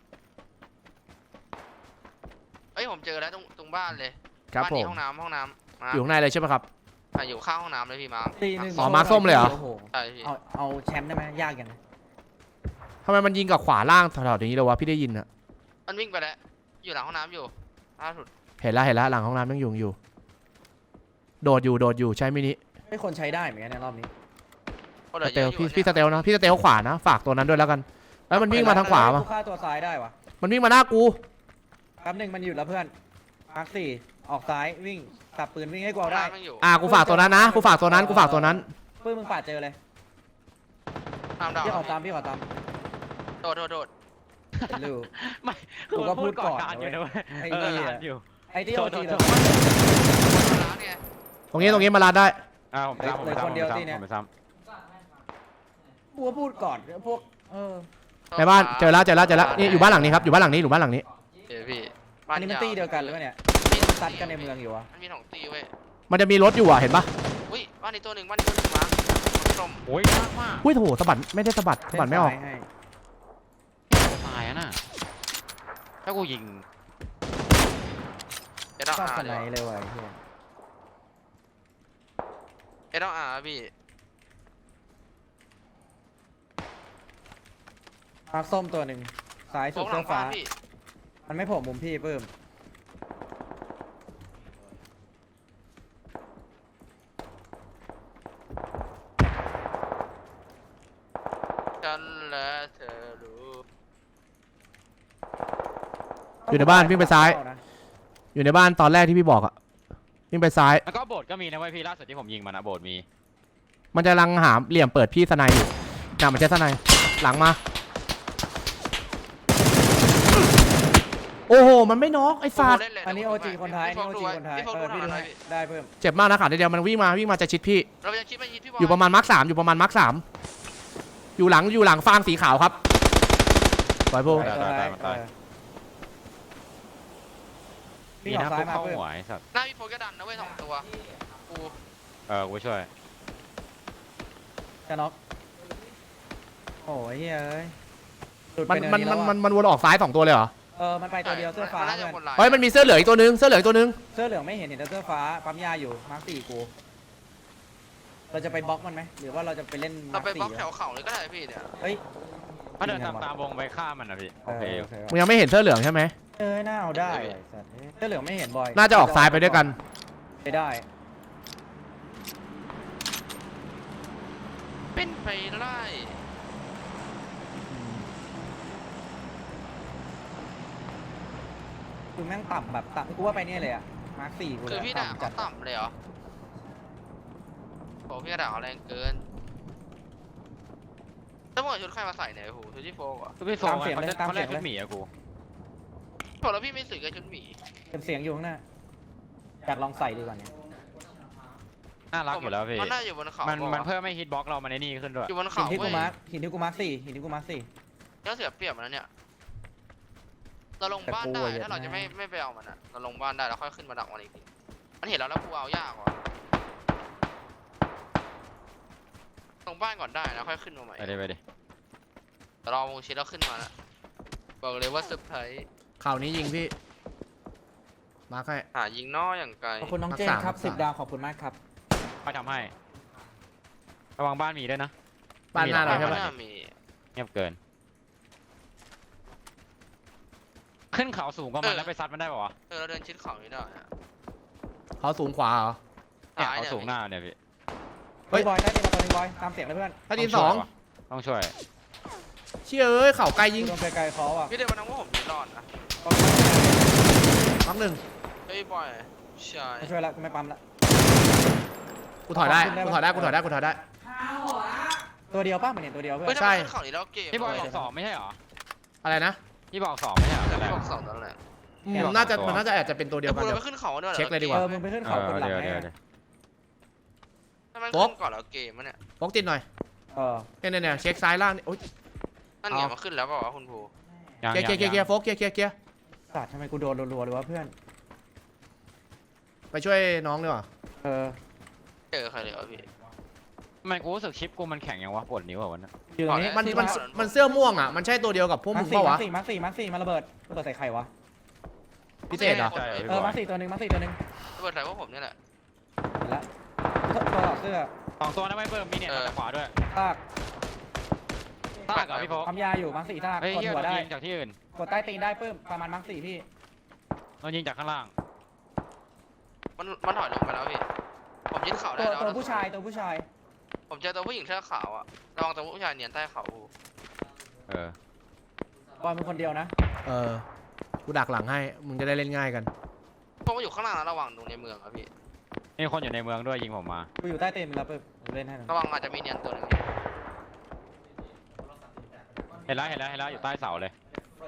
[SPEAKER 2] เอ้ยผมเจอแล้วตรงบ้านเลย
[SPEAKER 1] ครับ
[SPEAKER 2] บ้าน
[SPEAKER 1] ผ
[SPEAKER 2] นี้
[SPEAKER 1] ม
[SPEAKER 2] ห้องน้ำมา
[SPEAKER 1] อยู่ข้างในเลยใช่ไหมครับ
[SPEAKER 2] อยู่ข้างห้องน้ำเลยพี่มาร์ค
[SPEAKER 4] ตีหนึ่ง
[SPEAKER 1] อ๋อมาร์คส้มเลยเหรอ
[SPEAKER 4] โโ
[SPEAKER 2] ใช่พี่
[SPEAKER 4] เอาแชมป์ได้ไหมยากยัง
[SPEAKER 1] ทำไมมันยิงกับขวาล่างตลอดอย่างนี้เลยวะพี่ได้ยินอะ
[SPEAKER 2] มันวิ่งไปแล้วอยู่หลังห้องน้ำอยู่ล่าสุด
[SPEAKER 1] เห็นแล้วหลังห้องน้ำยังอยู่โดดอยู่ใช่มินิ
[SPEAKER 4] ไม่คนใช้ได้เหมือนกันในรอบนี้
[SPEAKER 2] ก็เหลื
[SPEAKER 1] ส
[SPEAKER 2] อ
[SPEAKER 1] เต
[SPEAKER 2] เย
[SPEAKER 1] ล
[SPEAKER 2] อะอยู่
[SPEAKER 1] พี่สเตลนะพี่สเตลขวานะฝากตัวนั้นด้วยแล้วกันแล้วมันวิ่งมาทางขวา
[SPEAKER 4] กู
[SPEAKER 1] มา
[SPEAKER 4] ฆ่าตัวซ้ายได้วะ
[SPEAKER 1] มันวิ่งมาหน้ากู
[SPEAKER 4] แป๊บหนึ่งมันหยุดแล้วเพื่อนมาร์ค4ออกซ้ายวิ่งสับปืนวิ่งให้กูเอาได้
[SPEAKER 2] มันอยู่
[SPEAKER 1] กูฝากตัวนั้นนะกูฝากตัวนั้น
[SPEAKER 4] ปื้มมึงปาดเจอเลย
[SPEAKER 2] ห้ามดาว
[SPEAKER 4] พี่ขอตามพี่ขอตาม
[SPEAKER 2] โดด
[SPEAKER 4] เห็นรู
[SPEAKER 3] ไม่
[SPEAKER 4] กูก็พูดก่อน
[SPEAKER 3] การอยู่นะเว้ย
[SPEAKER 4] ไอ้
[SPEAKER 3] เออ
[SPEAKER 4] เหี้ย
[SPEAKER 3] การอยู่
[SPEAKER 4] ไอ้ที่โอทีเลย
[SPEAKER 2] ร้านเนี่ย
[SPEAKER 1] ตรงนี้มาลาดได้
[SPEAKER 3] ผมซ้ำผมซ้ำผมซ้ำ
[SPEAKER 4] กูก็พูดก่อนพวก
[SPEAKER 1] ในบ้านเจอแล้วนี่อยู่บ้านหลังนี้ครับอยู่บ้านหลังนี้
[SPEAKER 2] เดี๋ยวพี่
[SPEAKER 4] อันนี้มันตีเดียวกันหรือเปล่าเนี่ยซัดกันในเมืองอยู่วะ
[SPEAKER 2] มันมีสองตีเว้ย
[SPEAKER 1] มันจะมีรถอยู่เห็นปะ
[SPEAKER 2] อุ้ยบ้านนี้ตัวหนึ่งมาร์คส้ม
[SPEAKER 3] โอ้ยยากมาก
[SPEAKER 1] โถสะบัดไม่ได้สะบัดไม่ออก
[SPEAKER 4] ให้
[SPEAKER 3] ตายอะน่ะถ้ากูยิง
[SPEAKER 2] ต้อง
[SPEAKER 4] ชอบ
[SPEAKER 2] อา
[SPEAKER 4] ส
[SPEAKER 2] ร์
[SPEAKER 4] ไน
[SPEAKER 2] ดีกว่า
[SPEAKER 4] เลยว่ะไอ้เหี้ย
[SPEAKER 2] เอต้องอาร์พี่
[SPEAKER 4] มาร์คส้มตัวหนึ่งซ้าย
[SPEAKER 2] โฟ
[SPEAKER 4] สุด
[SPEAKER 2] กหลั
[SPEAKER 4] เสื้
[SPEAKER 2] ง
[SPEAKER 4] อ
[SPEAKER 2] ฟ้า
[SPEAKER 4] ฟ้า
[SPEAKER 2] พี่
[SPEAKER 4] มันไม่โผล่มุมพี่เพิ่ม
[SPEAKER 2] ฉันและเธอรู้
[SPEAKER 1] อยู่ในบ้านวิ่งไปซ้าย อยู่ในบ้านตอนแรกที่พี่บอกอะวิ่งไปซ้าย
[SPEAKER 3] แล้วก็โบสถ์ก็มีนะเว้ยพี่ล่าสุดที่ผมยิงมันนะโบสถ์มี
[SPEAKER 1] มันจะลังหาเหลี่ยมเปิดพี่สไนอยู่น่ะมันใช้สไนหลังมา โอ้โห มันไม่น็อกไอ้สัตว์
[SPEAKER 2] เล่นเลย
[SPEAKER 4] อันนี้โอจีคนไทย
[SPEAKER 2] พี่
[SPEAKER 4] อัน
[SPEAKER 2] โฟ
[SPEAKER 4] นี้
[SPEAKER 2] ก
[SPEAKER 4] โอ
[SPEAKER 2] ดู
[SPEAKER 4] จี
[SPEAKER 2] ไว้
[SPEAKER 4] คนไทย
[SPEAKER 2] พี่โฟก
[SPEAKER 4] เอ
[SPEAKER 2] ดู
[SPEAKER 4] อพี่ดู
[SPEAKER 2] หน่
[SPEAKER 4] ให้
[SPEAKER 2] อยพี่
[SPEAKER 4] ได้เพิ่ม
[SPEAKER 1] เจ็บมากนะขาเดียวมันวิ่งมาจะชิดพี่
[SPEAKER 2] เราจะคิดว่ายิงพี่บอล
[SPEAKER 1] อยู่ประมาณมาร์ค3อยู่ประมาณมาร์ค3อยู่หลังฟาร์มสีขาวครับปล่อยพวก
[SPEAKER 4] วิ่ง
[SPEAKER 3] มี
[SPEAKER 4] ออ
[SPEAKER 3] นะ
[SPEAKER 4] กซ้า
[SPEAKER 3] พ
[SPEAKER 4] ยว
[SPEAKER 3] ก
[SPEAKER 4] มา
[SPEAKER 3] เข้า
[SPEAKER 4] เพิ่ม
[SPEAKER 3] หัวไอ้สัตว์
[SPEAKER 2] หน้าพี่โฟกก็ดันนะเว้ย2 ตัวกู
[SPEAKER 3] กูช่วย
[SPEAKER 4] จะน็อกโอ้ยเฮ้ยหลุด
[SPEAKER 1] มั
[SPEAKER 4] ไป
[SPEAKER 1] น
[SPEAKER 4] เนิ
[SPEAKER 1] มัน
[SPEAKER 4] นี้
[SPEAKER 1] มัน
[SPEAKER 4] แล้ว
[SPEAKER 1] มัน
[SPEAKER 4] อะ
[SPEAKER 1] มันวนออกซ้าย2ตัวเลยเหรอ
[SPEAKER 4] มันไปตัวเดียวเสื้อฟ้า
[SPEAKER 2] มันน่าจะ
[SPEAKER 4] เพื่อน
[SPEAKER 2] คนลาย
[SPEAKER 1] เฮ้ยมันมีเสื้อเหลืองอีกตัวนึงเสื้อเหลืองอีกตัวนึง
[SPEAKER 4] เสื้อเหลืองไม่เห็นแต่เสื้อฟ้าปั๊มยาอยู่มาร์คสี่กูเราจะไปบล็อกมันไหมหรือว่าเราจะไปเล่น
[SPEAKER 2] เรา
[SPEAKER 4] มาร์ค
[SPEAKER 2] ไปบล็
[SPEAKER 4] สี่
[SPEAKER 2] อกแถวเขาเลยก็ได้พี่เนี่ย
[SPEAKER 4] เฮ้ย
[SPEAKER 3] ถ้าเดินตามวงไปฆ่ามันนะพี่โอเค
[SPEAKER 4] โอเค
[SPEAKER 1] มึงยังไม่เห็นเสื้อเหลืองใช่ไหม
[SPEAKER 4] น่าเอาได้ไอ้สัตว์เสื้อเหลืองไม่เห็นบ่อย
[SPEAKER 1] น่าจะออกซ้ายไปด้วยกัน
[SPEAKER 4] ไปได้
[SPEAKER 2] เป็นไปไล่
[SPEAKER 4] คือแม่งต่ำแบบต่ำกูว่าไปเนี่ยเลยอะมาร์คสี่กู
[SPEAKER 2] คือพี่ด่า
[SPEAKER 4] จั
[SPEAKER 2] เขาต่ำเลยเหรอโอ้พี่ด่าเขาแรงเกินแล้วมึงเอาชุดใครมาใส่เนี่ยโอ้โหชุดที่โฟกอ่ะ
[SPEAKER 3] คือพี่โฟงเขาเล่นชุดหมีอะกู
[SPEAKER 2] บอกแล้วพี่ไม่สื่อกับชุดหมี
[SPEAKER 4] เป็นเสียงอยู่ข้างหน้าอยากลองใส่ดีกว่าเนี่ย
[SPEAKER 3] น่ารักอยู่แล้วพี่
[SPEAKER 2] มันน่าอยู่บนเขา
[SPEAKER 3] มัน
[SPEAKER 2] บอก
[SPEAKER 3] เพิ่มให้ฮิตบ็อกเรามันไอ้นี่ขึ้นด้วย
[SPEAKER 2] อยู่บน
[SPEAKER 4] หิ
[SPEAKER 2] เขา
[SPEAKER 4] นที่กู
[SPEAKER 2] เว้ย
[SPEAKER 4] มาร์คหินที่กูมาร์คสี่หินที่กูมาร์คสี่
[SPEAKER 2] ยังเสียเปรียบมันนะเนี่ยเราลงบ้านได้ถ้าเราจะไม่ไปเอามันอ่ะเราลงบ้านได้แล้วค่อยขึ้นมาดักมันอีกทีมันเห็นเราแล้วกูเอายากว่ะลงบ้านก่อนได้แล้วค่อยขึ้นมาใหม่
[SPEAKER 3] ไปดิ
[SPEAKER 2] แต่รอวงชิดแล้วขึ้นมาแล้วบอกเลยว่าเซอร์ไพรส์
[SPEAKER 1] ข่าวนี้ยิงพี่ มาร์คให้
[SPEAKER 2] หายิงน้อยอย่างไกล
[SPEAKER 4] ขอบคุณน้องเจนครับ
[SPEAKER 1] รักษา
[SPEAKER 4] 10 ดาวขอบคุณมากครับ
[SPEAKER 3] ไปทำให้ระวังบ้านมีด้วยนะ
[SPEAKER 1] บ้านหน้าเรา
[SPEAKER 2] ไม่
[SPEAKER 1] ใช่ปะ
[SPEAKER 2] น่ามี
[SPEAKER 3] เงียบเกิน ขึ้นเขาสูงกว่ามันแล้วไปซัดมันได้ป่าวะ
[SPEAKER 2] เราเดินชิดเขาไม่ได้อะ
[SPEAKER 1] เขาสูงขวาเหรอ
[SPEAKER 3] เนี่ย
[SPEAKER 2] ซ้าย
[SPEAKER 3] เขา
[SPEAKER 2] เนี่ย
[SPEAKER 3] สูงหน้าเนี่ยพี่
[SPEAKER 1] เฮ้ย
[SPEAKER 4] บอยได้ดีมาตัวนึงบอยตามเสียงเลยเพื่อน
[SPEAKER 1] ถ้าดินสอง
[SPEAKER 3] ต้องช่วย
[SPEAKER 1] เชี่ยเอ้ยเข่าไกลยิง
[SPEAKER 4] โดนไกลๆเขาอ่ะ
[SPEAKER 2] พี่เดวันนั้นว่าผมยืนรอดนะ
[SPEAKER 1] มักหนึ่ง
[SPEAKER 2] เฮ้ยบอยใช่
[SPEAKER 4] ไม่ช่วยละกูไม่ปั๊มละ
[SPEAKER 1] กูถอยได้กูถอยได้กูถอยได้กูถอยได้
[SPEAKER 4] ตัวเดียวป่ะมันเห็นตัวเดียวเพื่
[SPEAKER 2] เฮ้ย
[SPEAKER 4] อน
[SPEAKER 2] ทำ
[SPEAKER 1] ใช่
[SPEAKER 2] ไมขึ้นเขานี้แล้วเกม
[SPEAKER 3] พี่บอย
[SPEAKER 2] เว้
[SPEAKER 3] บอก2ไม่ใช่เหรอ
[SPEAKER 1] อะไรนะ
[SPEAKER 3] พี่บอก2ไม่ใช่เหรอ
[SPEAKER 2] แต่
[SPEAKER 3] แต่แร
[SPEAKER 2] พี่
[SPEAKER 3] ก
[SPEAKER 2] บอกสองนั่นแหละ
[SPEAKER 1] น่าจะมันน่าจะอาจจะเป็นตัวเดียวกัน
[SPEAKER 2] เรา
[SPEAKER 1] เดี๋ยว
[SPEAKER 2] ไปขึ้นเขาด้วยหรอ
[SPEAKER 1] เช็คเลยดีกว่า
[SPEAKER 4] มึงไปขึ้นเขาคนหลังไง
[SPEAKER 2] ทำไม
[SPEAKER 1] โป๊ะ
[SPEAKER 2] ขึ้นก่อนแล้วเกมมันเนี่ย
[SPEAKER 1] ฟกติดหน่อย เนี่ยเช็คซ้ายล่างนี่โอ๊ย
[SPEAKER 2] นั่นเนี่ยมาขึ้นแล้วเปล่าวะคุณภู
[SPEAKER 1] เกียร์โฟกเกียร์
[SPEAKER 4] สัตว์ทำไมกูโดนรัวๆเลยวะเพื่อน
[SPEAKER 1] ไปช่วยน้องดีกว่า
[SPEAKER 2] เจอใครเลยวะพี่
[SPEAKER 3] มันกูรู้สึกชิปกูมันแข็งยังวะปวดนิ้วอ่ะวันนั้น
[SPEAKER 4] อยู่ตรงนี้
[SPEAKER 1] มันเสื้อม่วงอ่ะมันใช่ตัวเดียวกับพวก
[SPEAKER 4] มา
[SPEAKER 1] มึ
[SPEAKER 4] ร์
[SPEAKER 1] ง
[SPEAKER 4] คสี่
[SPEAKER 1] เปล่าวะ
[SPEAKER 4] มาร์คสี่มาระเบิดใส่ใครวะ
[SPEAKER 1] พิเศษเหรอ
[SPEAKER 4] มาร์คสี่ตัวหนึ่งมาร์คสี่ตัวหนึ่ง
[SPEAKER 2] ระเบิดใส่พวกผมเนี่ยแหละ
[SPEAKER 4] เห็นละตัวต่อเสื้อ
[SPEAKER 3] 2ตัวนะไม่เพิ่มมีเนี่ยมาจากขวาด้วย
[SPEAKER 4] ซาก
[SPEAKER 3] ตากกับพี่โฟก
[SPEAKER 4] ปั๊มยาอยู่มาร์คสี่ซาก
[SPEAKER 3] เฮ้ย
[SPEAKER 4] กด
[SPEAKER 3] เฮีย
[SPEAKER 4] หัว
[SPEAKER 3] โดน
[SPEAKER 4] ได้
[SPEAKER 3] ยิงจากที่อื่น
[SPEAKER 4] กดใต้ตีนได้เพิ่มประมาณมาร์คสี่พี่
[SPEAKER 3] โดนยิงจากข้างล่าง
[SPEAKER 2] มันถอยลงไปแล้วพี่ผมยึดเขาได้แล้ว
[SPEAKER 4] ตัวผู้ชาย
[SPEAKER 2] ผมเจอตัวผู้หญิงเสื้อขาวอะระวังตัวผู้ชายเนียนใต้เขา
[SPEAKER 4] บอยเป็นคนเดียวนะ
[SPEAKER 1] กูดักหลังให้มึงจะได้เล่นง่ายกัน
[SPEAKER 2] เพราะว่าอยู่ข้างล่างนะระวังตรงในเมืองอะพี่
[SPEAKER 3] มีคนอยู่ในเมืองด้วยยิงผมมา
[SPEAKER 4] กูอยู่ใต้ตีนแล้วเพิ่มเล่นให้หน่อย
[SPEAKER 2] ระวังอาจจะมีเนียนตัวหนึง
[SPEAKER 3] เห็นแล้วอยู่ใต้เสาเลย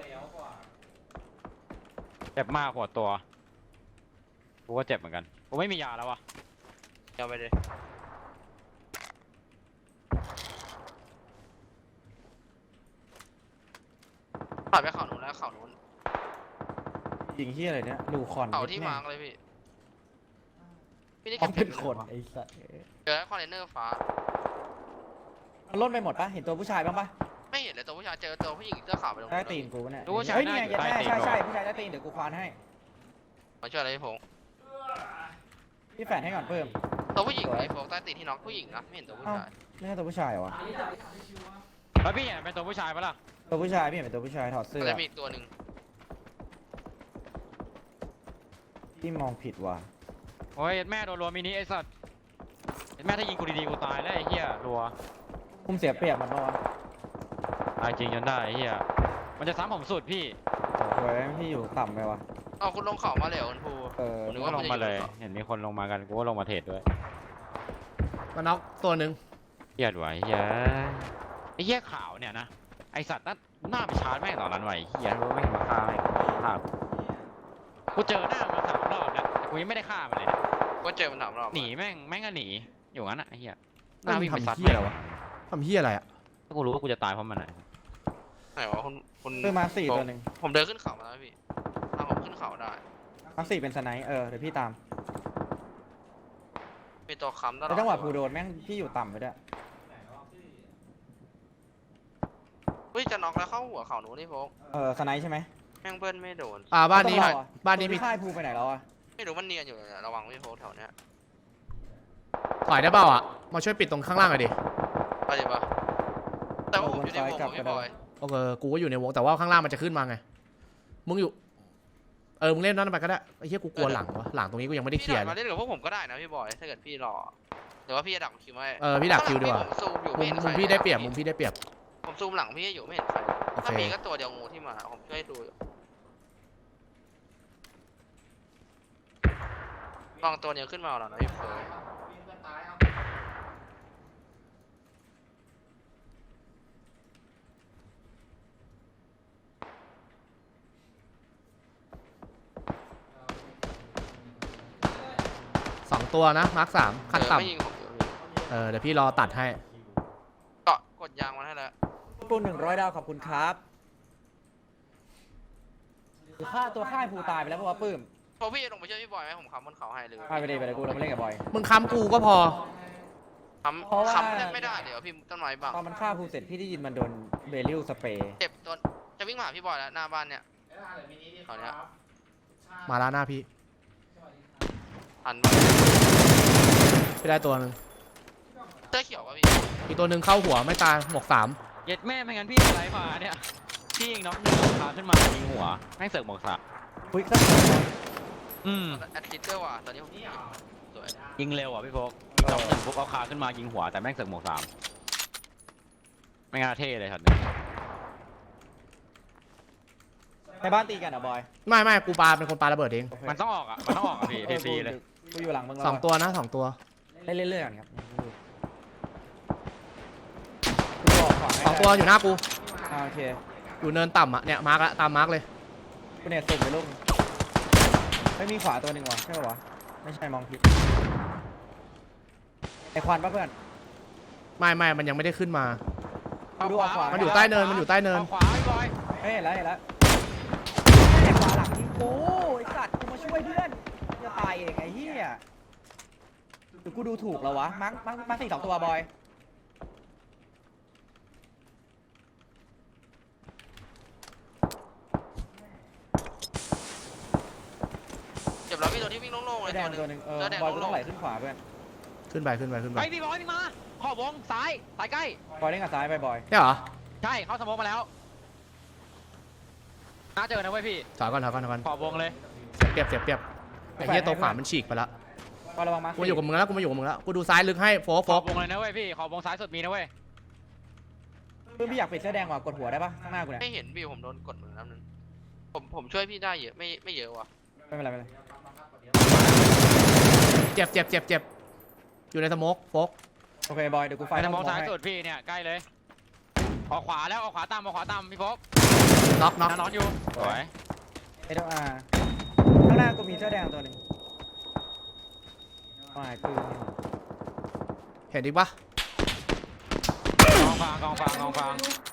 [SPEAKER 3] เจ็บมากหัวตัวกูก็เจ็บเหมือนกันกูไม่มียาแล้ววะ
[SPEAKER 2] เอาไปเลยถอยไปเขานู้นแล้วเขานู้น
[SPEAKER 4] ยิงเฮียอะไรเนี่ยดูคอน
[SPEAKER 2] เขาที่มาร์กเลยพี่พี่นี่
[SPEAKER 4] เขา
[SPEAKER 2] เก็บ
[SPEAKER 4] เป็นคนไอ้สัส
[SPEAKER 2] เจอคอนเทนเนอร์ฟ้า
[SPEAKER 4] มันล่นไปหมดปะเห็นตัวผู้ชายบ้างปะ
[SPEAKER 2] ไม่เห็นเลยตัวผู้ชายเจอตัวผู้หญิงเสื้อขาวไปตรง
[SPEAKER 4] ใต้
[SPEAKER 2] นู้น
[SPEAKER 4] ตีนกูเนี่ย
[SPEAKER 3] รู้ว่าใช่
[SPEAKER 4] เฮ้ยนี่ไง
[SPEAKER 3] ใต้ตีน
[SPEAKER 4] ใช่ผู้ชายใต้ตีนเดี๋ยวกูควานให้
[SPEAKER 2] มาช่วยอะไรพี่พงษ์
[SPEAKER 4] พี่แฝดให้ก่อนเพิ่ม
[SPEAKER 2] ตัวผู้หญิงไอ้โฟกใต้ตีนที่น็อกผู้หญิงนะไม่เห็นตัวผู้ชาย
[SPEAKER 4] ไม่ใช่ตัวผู้ชายเหรอวะ
[SPEAKER 3] แล้วพี่เห็นเป็นตัวผู้ชายปะล่ะ
[SPEAKER 4] ตัวผู้ชายพี่เห็นเป็นตัวผู้ชายถอดเสื้อ
[SPEAKER 2] ก็จะมีอีกตัวหนึ่ง
[SPEAKER 4] พี่มองผิดว่ะ
[SPEAKER 3] โอ้ยแม่โดนรัวมินิไอ้สัตว์แม่ถ้ายิงกูดีๆกูตายแล้วไอ้เหี้ยรัว
[SPEAKER 4] ผมเสียเปรียบมันปะวะ
[SPEAKER 3] ตายจริงจนได้ไอ้เหี้ยมันจะซ้ำผมสุดพี่
[SPEAKER 4] โอ้ยพี่อยู่ต่ำไปวะ
[SPEAKER 2] เอาคุณลงเขามาเลยเหรอคุณภู
[SPEAKER 3] นึกว่าลงมาเลยเห็นมีคนลงมากันกูก็ลงมาเทรดด้วย
[SPEAKER 1] มาน็อกตัวหนึ่ง
[SPEAKER 3] เหี้ยไหวเหี้ยไอ้เหี้ยขาวเนี่ยนะไอ้สัตว์นั่นหน้าไปชาร์จแม่งตอนนั้นไหวเหี้ยรู้ไม่มาฆ่าแม่งฆ่ากูเจอหน้ามัน3 รอบแล้วแต่กูยังไม่ได้ฆ่ามันเลยเนี่ย
[SPEAKER 2] ก็เจอมันถามรอบ
[SPEAKER 3] หนีแม่งก็หนีอยู่งั้นอ่ะไอ้เหี้ยห
[SPEAKER 1] นั่
[SPEAKER 3] น้าน วิ่งไป
[SPEAKER 1] ทำ
[SPEAKER 3] ซัด
[SPEAKER 1] เฮีย
[SPEAKER 3] แม่
[SPEAKER 1] อะไร
[SPEAKER 3] ง
[SPEAKER 1] วะทำเฮียอะไรอ่ะ
[SPEAKER 3] ถ้ากูรู้ว่ากูจะตายเพราะมันอ่ะ
[SPEAKER 2] ไหนวะคุณ
[SPEAKER 4] เพิ่มมา4ตัวหนึ่ง
[SPEAKER 2] ผมเดินขึ้นเขามาแล้วพี่ถ้าผมขึ้นเขาได้
[SPEAKER 4] มา4เป็นสไนป์เดี๋ยวพี่ตาม
[SPEAKER 2] มีตัวค้ำตลอด
[SPEAKER 4] แล้วจังหวะภูโดนแม่งพี่อยู่ต่ำไปด้วย
[SPEAKER 2] เฮ้ยจะน็อกแล้วเข้าหัวเขาหนูนี่โฟก
[SPEAKER 4] สไนป์ใช่ไหม
[SPEAKER 2] แม่งเบิ้ลไม่โดน
[SPEAKER 1] บ้านนี้
[SPEAKER 4] ต้องรอ
[SPEAKER 1] บ้านนี้มี
[SPEAKER 4] ค่ายภูไปไหนแล้วอะ
[SPEAKER 2] ไม่รู้มันเนียนอยู่เนี่ยระวังพี่โฟกแถวเนี้ย
[SPEAKER 1] ถอยได้เปล่าอ่ะมาช่วยปิดตรงข้างล่างหน่อยดิ
[SPEAKER 2] ไปดิปะแต่ว่าผมอยู่ในวงของพี่บอย
[SPEAKER 1] โอเคกูก็อยู่ในวงแต่ว่าข้างล่างมันจะขึ้นมาไงมึงอยู่มึงเล่นนั่นไปก็ได้ไอ้เหี้ยกูกลัวหลังวะหลังตรงนี้กูยังไม่ได้เคลี
[SPEAKER 2] พี่
[SPEAKER 1] ย
[SPEAKER 2] ถ
[SPEAKER 1] ร์
[SPEAKER 2] อย
[SPEAKER 1] เล
[SPEAKER 2] มาย เล่นกับพวกผมก็ได้นะพี่บอยถ้าเกิดพี่รอหรือว่าพี่จะดักคิวไว้
[SPEAKER 1] พี่ดักคิวดีกว่า
[SPEAKER 2] ผมซูมอยู่
[SPEAKER 1] มุ
[SPEAKER 2] ไม่
[SPEAKER 1] ม
[SPEAKER 2] เห็นใค
[SPEAKER 1] มุ
[SPEAKER 2] ร
[SPEAKER 1] มพี่ได้เปรียบมุมพี่ได้เปรียบ
[SPEAKER 2] ผมซูมหลังพี่อยู่ไม่เห็นใคร
[SPEAKER 1] โอเค
[SPEAKER 2] ถ้ามีก็ตัวเดียวงูที่มาผมช่วยดูอยู่ลองตัวเดียวขึ้นมาแล้วนะพี่เฟิร์น
[SPEAKER 1] 2 ตัวนะมาร์ค3ขั้นต่
[SPEAKER 2] ไม่ยิงผมอยู่พี่
[SPEAKER 1] ำเดี๋ยวพี่รอตัดให้
[SPEAKER 2] เกาะกดยางมันให้แล้ว
[SPEAKER 4] ปู100 ดาวขอบคุณครับคือค่าตัวค่ายภูตายไปแล้วเพราะว่าปื้ม
[SPEAKER 2] พอพี่ลงไปช่วยพี่บอยไหมผมค้ำบนเขาให้เลย
[SPEAKER 4] ไปเลยกูเราไม่เล่นกับบอย
[SPEAKER 1] มึงค้ำกูก็พอ
[SPEAKER 4] เพราะว่า
[SPEAKER 2] ค้ำไม่ได้เดี๋ยวพี่ต้นไม้บัง
[SPEAKER 4] ตอนมันฆ่าภูเสร็จพี่ได้ยินมันโดนเบลิลสเปรย์
[SPEAKER 2] เจ็บตัวจะวิ่งมาหาพี่บอยแล้วหน้าบ้านเนี่ยเขาเนี้ย
[SPEAKER 1] มาล้าหน้าพี่
[SPEAKER 2] หันมา
[SPEAKER 1] พี่ได้ตัวหนึง
[SPEAKER 2] เสื้อเขียวป่ะพี่
[SPEAKER 1] อีกตัวหนึ่งเข้าหัวไม่ตายหมวก
[SPEAKER 3] เย็ดแม่ไม่งั้นพี่อะไรมาเนี่ยพี่ยิงน้องขาขึ้นมายิงหัวแม่งเสือกหมวกสาม
[SPEAKER 4] คุยสัก
[SPEAKER 2] แอดซิสเตอร์ว่ะตอนนี้ผมสวย
[SPEAKER 3] ยิงเร็วอ่ะพี่โฟกยิงน้อง1ปุ๊บเอาขาขึ้นมายิงหัวแต่แม่งเสือกหมวก3ไม่งานเท่เลยช็อตนี้
[SPEAKER 4] ในบ้านตีกันเหรอบอย
[SPEAKER 1] 3ไม่กูปาเป็นคนปาระเบิดเอง
[SPEAKER 3] มันต้องออกอ่ะพี่ฟรีๆเลย
[SPEAKER 4] กูอยู่หลังมึง
[SPEAKER 1] 2 ตัวนะ2 ตัว
[SPEAKER 4] เล่นเรื่อยๆก่อนครับกูบอกขวาให้
[SPEAKER 1] 2 ตัวอยู่หน้ากู
[SPEAKER 4] โอเค
[SPEAKER 1] อยู่เนินต่ำอ่ะเนี่ยมาร์กละตามมาร์กเลย
[SPEAKER 4] กูเนี่ยสุ่มไปลูกไม่มีขวาตัวหนึ่งวะใช่ป่าวะไม่ใช่มองผิดไอควันปะเพื่อน
[SPEAKER 1] ไม่มันยังไม่ได้ขึ้นมา
[SPEAKER 4] กูดูออกขวา
[SPEAKER 1] มันอยู่ใต้เนินมันอยู่ใต้เนิน
[SPEAKER 3] อาขวาพี่บอย
[SPEAKER 4] เฮ้ยเห็นแล้วไอขวาหลังยิงกูไอสัตว์กูมาช่วยเพื่อนจะตายเองไอ้เหี้ยหรือกูดูถูกแล้ววะมาร์คสี่2 ตัวบอย
[SPEAKER 2] เจ็บแล้วพี่ตัวที่วิ่งโล่งๆเลย
[SPEAKER 4] แดง
[SPEAKER 2] ตั
[SPEAKER 4] ตัว
[SPEAKER 2] ว
[SPEAKER 4] ห
[SPEAKER 2] ห
[SPEAKER 4] นึ่
[SPEAKER 2] นึ่
[SPEAKER 4] ง
[SPEAKER 2] งเสื้อแดง
[SPEAKER 4] บอยกูต้
[SPEAKER 2] โล่
[SPEAKER 4] อง
[SPEAKER 2] ง
[SPEAKER 4] ไหลขึ้นขวาเพื่อน
[SPEAKER 1] ขึ้นไป
[SPEAKER 3] ไปพี่บอยพี่มาขอบวงซ้ายใกล้
[SPEAKER 4] บอยเล่นกับซ้ายไปบอย
[SPEAKER 1] ใช่เหรอ
[SPEAKER 3] ใช่เข้าสมองมาแล้วน่าเจอนะเว้ยพี่
[SPEAKER 1] ถอยก่อน
[SPEAKER 3] ขอบวงเลย
[SPEAKER 1] เสียเปรียบไอ้เหี้ยตัวขวามันฉีกไปละ
[SPEAKER 4] บอยระวังมาร์ค
[SPEAKER 1] กูมาอยู่กับมึงแล้วกูดูซ้ายลึกให้โฟ
[SPEAKER 3] ขอบ
[SPEAKER 1] ก
[SPEAKER 3] วงเลยนะเว้ยพี่ขอบวงซ้ายสุดมีนะเว้ย
[SPEAKER 4] เพื่อนพี่อยากปิดเสื้อแดงว่ะกดหัวได้ปะข้างหน้ากูเนี่ย
[SPEAKER 2] ไม่เห็นพี่ผมโดนกดมือน้ำนึงผมช่วยพี่ได้เยอะไม่เยอะว่ะ
[SPEAKER 4] ไม่เป็นไรไม่เป็นไร
[SPEAKER 1] เจ็บอยู่ในสโมกโฟก
[SPEAKER 4] โอเคบอยเดี๋ยวกูไฟ
[SPEAKER 3] ไป
[SPEAKER 4] ล์
[SPEAKER 3] ทางมอง
[SPEAKER 4] ให้
[SPEAKER 3] ซ้ายสุดพี่เนี่ยใกล้เลยออกขวาแล้วออกขวาตามพี่โฟก
[SPEAKER 1] น็อก
[SPEAKER 3] นอนอยู่สวย
[SPEAKER 4] เอเดอาร์ข้างหน้ากูมีเสื้อแดงตัวหนึ่งไม่ปืน
[SPEAKER 1] เห็นอีกปะ
[SPEAKER 3] กองฟาง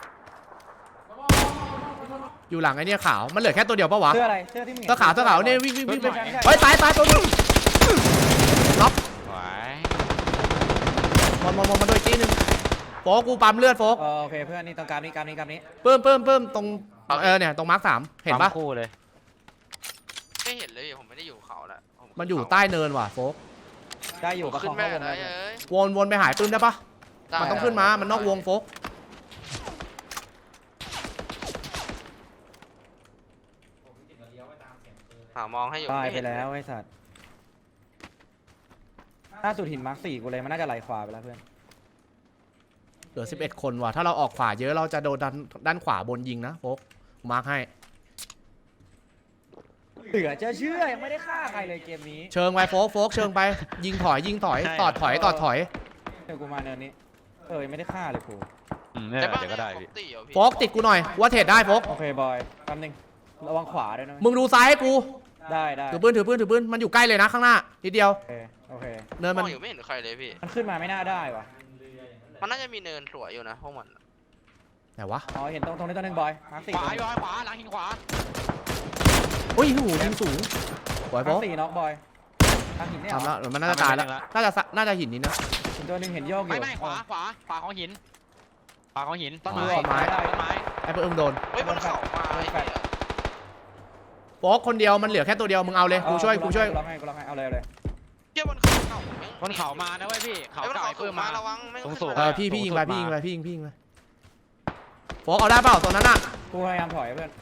[SPEAKER 1] อยู่หลังไอ้เนี่ยขาวมันเหลือแค่ตัวเดียวปะวะ
[SPEAKER 4] เสื้ออะไรเสื้อที่มึงเห็น
[SPEAKER 1] เสื้อขาวเนี่ยวิ่งไป
[SPEAKER 4] ใช่
[SPEAKER 1] เฮ้ยตายตัวนึงล็อก
[SPEAKER 3] สวย
[SPEAKER 1] มาโดยอีกทีนึงโฟกกูปั๊มเลือดโฟก
[SPEAKER 4] โอเคเพื่อนนี่ตรงกลางนี้
[SPEAKER 1] เพิ่มตรงเนี่ยตรงมาร์ค3เห็นปะ
[SPEAKER 3] คู่เลย
[SPEAKER 2] ไม่เห็นเลยผมไม่ได้อยู่เขาแล้ว
[SPEAKER 1] มันอยู่ใต้เนินว่ะโฟก
[SPEAKER 4] ได้อยู่ประค
[SPEAKER 2] ขึ้
[SPEAKER 4] อน ง
[SPEAKER 2] แม่
[SPEAKER 4] เข้าวง
[SPEAKER 2] ไหน
[SPEAKER 4] ได้
[SPEAKER 2] เอ้ย
[SPEAKER 1] วนไปหายปืนได้ปะ
[SPEAKER 2] ได้
[SPEAKER 1] มันต้องขึ้นมา มันนอกวงโฟก
[SPEAKER 2] หามองให้อยู่
[SPEAKER 4] ตาย
[SPEAKER 2] ม่
[SPEAKER 4] ไป
[SPEAKER 2] เห็น
[SPEAKER 4] แล้วไอ้สัตว์ล่าสุดหินมาร์ค4กูเลยมันน่าจะไหลขวาไปแล้วเพื่อน
[SPEAKER 1] เหลือ11 คนว่ะถ้าเราออกขวาเยอะเราจะโดนด้านขวาบนยิงนะโฟกมาร์คให้
[SPEAKER 4] เหลือจะเชื่อยังไม่ได้ฆ่าใครเลยเกมนี้
[SPEAKER 1] เชิงไปโฟกเชิงไปยิงถอยตอดถอย
[SPEAKER 4] เดี๋ยวกูมาเนินนี้ยังไม่ได้ฆ่าเลยกู
[SPEAKER 3] เนี่ย
[SPEAKER 2] แต่บ้าน
[SPEAKER 3] เดี๋ยวก็ได้
[SPEAKER 2] เนี่ย
[SPEAKER 3] พี่
[SPEAKER 2] ครบตีเหรอพี่
[SPEAKER 1] โฟกติดกูหน่อยว่าเทรดได้โฟก
[SPEAKER 4] โอเคบอยแป๊บนึงระวังขวาด้วยนะ
[SPEAKER 1] มึงดูซ้ายให้กู
[SPEAKER 4] ได้
[SPEAKER 1] ถือปืนมันอยู่ใกล้เลยนะข้างหน้านิดเดียว
[SPEAKER 4] โอเค
[SPEAKER 1] เนิน
[SPEAKER 2] ม
[SPEAKER 1] มั
[SPEAKER 2] อน งอยู่ไม่เห็นใครเลยพี่
[SPEAKER 4] มันขึ้นมาไม่น่าได้วะ
[SPEAKER 2] มันน่าจะมีเนินสวยอยู่นะพวกมัน
[SPEAKER 1] ไหนวะ
[SPEAKER 4] อ๋อเห็นตรงนี้ตัวหนึงบอยมาร์ค
[SPEAKER 3] ขวา
[SPEAKER 4] 4
[SPEAKER 3] อยู่ขวาหลังหินขวา
[SPEAKER 1] อุ้ยหูยิงสูงสวยโฟ
[SPEAKER 4] มาร์
[SPEAKER 1] ก
[SPEAKER 4] ค4น็อกบอยทางหินเนี่ย
[SPEAKER 1] ทำแล้วมันน่าจะตายแล้วน่าจะหินนี้นะ
[SPEAKER 4] เห็นตัวหนึงเห็นโยกอยู่
[SPEAKER 3] ไม่ขวาของหินต้น
[SPEAKER 1] อ๋
[SPEAKER 3] ไม้
[SPEAKER 1] อ
[SPEAKER 3] ต้นไม้
[SPEAKER 1] ไอ้เพิ่มโดน
[SPEAKER 2] เฮ้ยบนเขามาไอ้เหี้ย
[SPEAKER 1] โฟกคนเดียวมันเหลือแค่ตัวเดียวมึงเอาเลยกูช่วย
[SPEAKER 4] กูล็อกให้เอาเลย
[SPEAKER 2] เหี้ยบนเขาเก่า
[SPEAKER 3] บนเขามานะเว้ยพี่เขา
[SPEAKER 2] ไอ้บน
[SPEAKER 3] เก่า
[SPEAKER 2] เขา
[SPEAKER 3] ไอ้
[SPEAKER 2] ปื
[SPEAKER 3] ปื้
[SPEAKER 2] น
[SPEAKER 3] ม
[SPEAKER 2] มา
[SPEAKER 3] มา
[SPEAKER 2] ระวังไม่
[SPEAKER 3] สูง
[SPEAKER 1] พี่ยิงไป
[SPEAKER 3] สูงสุดมา
[SPEAKER 1] พี่ยิงไปโฟกเอาได้เปล่าตัวนั้นอ่ะ
[SPEAKER 4] กูพยายามถอยเพื่อน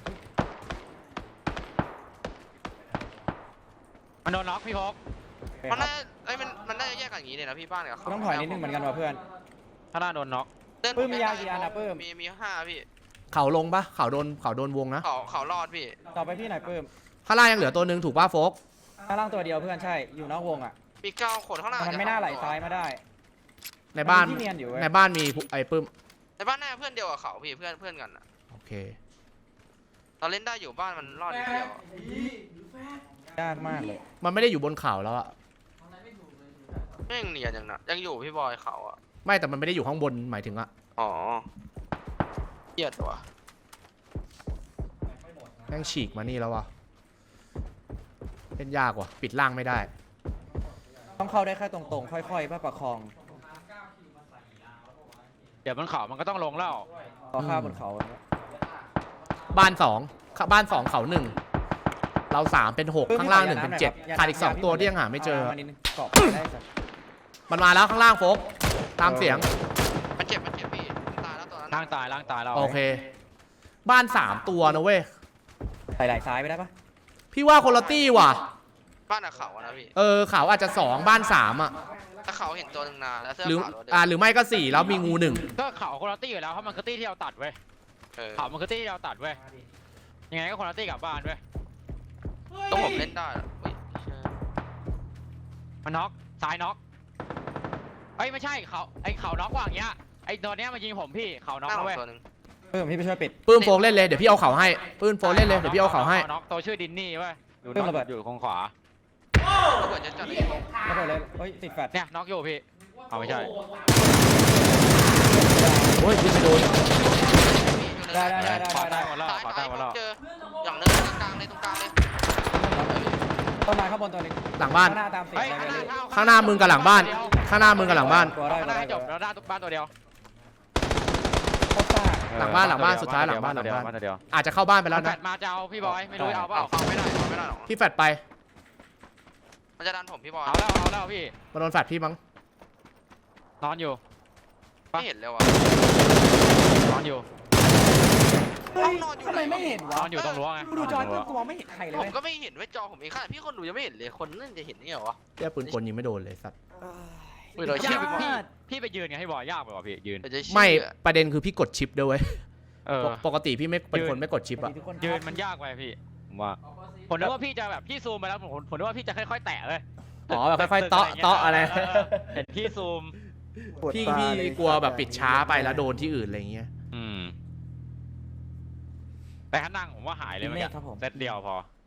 [SPEAKER 3] มันโดนน็อกพี่พก
[SPEAKER 2] มันน่าไอ้มันน่าจะแยกกันอย่างนี้เลยนะพี่บ้านกับ
[SPEAKER 4] กูต้องถอยนิดนึงเหมือนกันว่ะเพื่อน
[SPEAKER 3] ถ้าหน้าโดนน็อก
[SPEAKER 4] ปื้มมียากี่อันอะปื้ม
[SPEAKER 2] มี5พี่
[SPEAKER 1] เขาลงปะเขาโดนวงนะ
[SPEAKER 2] เขารอดพี่
[SPEAKER 4] ต่อไปพี่หน่อยปื้ม
[SPEAKER 1] ข้างล่างยังเหลือตัวหนึ่งถูกป่ะโฟก
[SPEAKER 4] ข้างล่างตัวเดียวเพื่อนใช่อยู่นอกวงอ่ะ
[SPEAKER 2] มี9คนข้างหน้า
[SPEAKER 4] มันไม่น่าไหลซ้ายมาได้
[SPEAKER 1] ในบ้าน
[SPEAKER 4] มัมีที่เนียนอยู่เว้ย
[SPEAKER 1] ในบ้านมีไอ้ปื้ม
[SPEAKER 2] ในบ้านหน้าเพื่อนเดียวกับเขาพี่เพื่อนกันอะ
[SPEAKER 1] โอเค
[SPEAKER 2] เราเล่นได้อยู่บ้านมันรอดนิดเดียว
[SPEAKER 4] ยากมากเลย
[SPEAKER 1] มันไม่ได้อยู่บนเขาแล้วอะ
[SPEAKER 2] แม่งเนียนอย่างนั้นยังอยู่พี่บอยเขาอะ
[SPEAKER 1] ไม่แต่มันไม่ได้อยู่ข้างบนหมายถึงอะ
[SPEAKER 2] อ๋อเกียดว่ะ
[SPEAKER 1] แม่งฉีกมานี่แล้ววะเล่นยากว่ะปิดล่างไม่ได้
[SPEAKER 4] ต้องเข้าได้แค่ตรงๆ ค่อยๆเพื่อประคอง
[SPEAKER 3] เดี๋ยวบนเขามันก็ต้องลงแล้ว
[SPEAKER 4] ต่อข้าบนเขาเนี่ย
[SPEAKER 1] บ้าน2เขา1เรา3เป็น6ข้างล่าง1เป็น7ขาดอีก2ตัวที่ยังหาไม่เจอ
[SPEAKER 4] มานิดนึงเกาะได้สัก
[SPEAKER 1] มันมาแล้วข้างล่างโฟกตามเสียง
[SPEAKER 2] มันเจ็บพี่มันตายแล้วตัวนั้น
[SPEAKER 3] ล่างตายแล้ว
[SPEAKER 1] โอเค บ้าน3ตัวนะเว้ย
[SPEAKER 4] ใส่ไหลซ้ายไปได้ปะ
[SPEAKER 1] พี่ว่าคนละตี้ว่ะ
[SPEAKER 2] บ้านอะเขาอะนะพี่
[SPEAKER 1] เขาอาจจะ2บ้าน3อะ
[SPEAKER 2] ถ้าเขาเห็นตัวหนึ่งนานแล้วเสื้อ
[SPEAKER 1] หรือ
[SPEAKER 2] ขาวตัวเดิม
[SPEAKER 1] หรือไม่ก็4แล้วมีงู1
[SPEAKER 3] ก็เขาคนละตี้อยู่แล้วเพราะมันคือตี้ที่เราตัดเว้ย
[SPEAKER 2] เออ
[SPEAKER 3] เขามันคือตี้ที่เราตัดเว้ยยังไงก็คนละตี้กลับบ้านเว้ย
[SPEAKER 2] ต้องผมเล่นได้เหรอเฮ้ยเชี่ย
[SPEAKER 3] มันน็อกซ้ายน็อกเอ้ยไม่ใช่เขาน็อกว่างเงี้ยไอ้ตัวเนี้ยมันยิงผมพี่เขาน็อก
[SPEAKER 2] หน้า
[SPEAKER 3] นะ
[SPEAKER 2] ผม
[SPEAKER 3] เว้ย
[SPEAKER 2] ตัวหนึ่ง
[SPEAKER 4] พี่ไปช่วยปิด
[SPEAKER 1] ปื้มโฟกเล่นเลยเดี๋ยวพี่เอาเขาให้ปื้มโฟกเล่นเลยเดี๋ยวพี่เอาเขาให้
[SPEAKER 3] น็อกตัวชื่อดินนี่เว้ยอยู่
[SPEAKER 4] เพิ่มระเบิด
[SPEAKER 3] อยู่คงขวา
[SPEAKER 2] ระเบิดจะจัดเลย
[SPEAKER 4] ระเบิดเลยเฮ้ยติดแฟลช
[SPEAKER 3] เนี่ยน็อกอยู่พี่เอาไม่ใช่
[SPEAKER 1] โอ้ยพี่จะโดน
[SPEAKER 4] ได้
[SPEAKER 3] ขวาใต้หมดแล้ว
[SPEAKER 2] ซ้าย
[SPEAKER 3] ขวาใต้หมดแล้ว
[SPEAKER 2] เจออย่างเนินตรงกลางเลย
[SPEAKER 4] ต้นไม้ข้างบนตัวนึง
[SPEAKER 1] หลังบ้าน
[SPEAKER 4] ข้างหน้าตามเสียง
[SPEAKER 3] เฮ้ย
[SPEAKER 4] เลย
[SPEAKER 1] ข้างหน้ามึงกับหลังบ้าน ข้างหน้ามึงกับหลังบ้าน
[SPEAKER 4] ตัวได้
[SPEAKER 3] ข้างหน้าให้จบแล้วด้านบ้านตัวเดียว
[SPEAKER 4] โคตรซ่า
[SPEAKER 1] หลังบ้านสุดท้ายหลังบ้าน
[SPEAKER 3] ตัวเดียวบ้านตัวเดียว
[SPEAKER 1] อาจจะเข้าบ้านไป
[SPEAKER 3] แล้
[SPEAKER 1] แล้ว ว
[SPEAKER 3] แฟ
[SPEAKER 1] นะ
[SPEAKER 3] ดมาจะเอาพี่บอยไม่รู้จะเอาเปล่า
[SPEAKER 2] เอาไม่ได้หรอก
[SPEAKER 1] พี่แฟดไป
[SPEAKER 2] มันจะดันผมพี่บอย
[SPEAKER 3] เอาแล้วพี่
[SPEAKER 1] มาโดนแฟดพี่มั้ง
[SPEAKER 3] นอนอยู่
[SPEAKER 2] ไม่เห็นเลยว่ะ
[SPEAKER 3] นอนอยู่
[SPEAKER 2] ห้องนอนอยู่
[SPEAKER 4] ทำไมไม่เห็น
[SPEAKER 3] น
[SPEAKER 4] วะ
[SPEAKER 3] อนอยู่ตรงรั้วไง
[SPEAKER 4] กูดูจอยกูมองไม่เห็นใครเลย
[SPEAKER 2] ผม
[SPEAKER 4] เว้ย
[SPEAKER 2] ก็ไม่เห็นไว้จอผมเองค่ะพี่คนดูยังไม่เห็นเลยคนนั่นจะเห็นนี่เหรอวะ
[SPEAKER 1] เรียกปืนกลยิงไม่โดนเลยสัตว์
[SPEAKER 2] อุ้ยเรา
[SPEAKER 3] ยา
[SPEAKER 2] เชื่อก
[SPEAKER 3] พี่ไปยืนไงให้บอยยากไปกว่าพี่ยืน
[SPEAKER 2] เราจะเชื่อ
[SPEAKER 1] ไม่ประเด็นคือพี่กดชิปด้วยเว้ย
[SPEAKER 3] เออ
[SPEAKER 1] ปกติพี่ไม่เป็นคนไม่กดชิปอะ
[SPEAKER 4] ทุกคน
[SPEAKER 3] ยืนมันยากไปพี่ผมว่าผมนึกว่าพี่จะแบบพี่ซูมไปแล้วผมนึกว่าพี่จะค่อยๆแตะเลย
[SPEAKER 1] อ๋อแบบค่อยๆเตาะอะไร
[SPEAKER 3] เห็นพี่ซูม
[SPEAKER 1] พี่กลัวแบบปิดช้าไปแล้วโดนที่อื่นอะไรเงี้ย
[SPEAKER 3] แต่ถ้านั่งผมว่าหายเลยเมื่อกี้
[SPEAKER 4] ครับผม
[SPEAKER 3] เซตเดียวพอ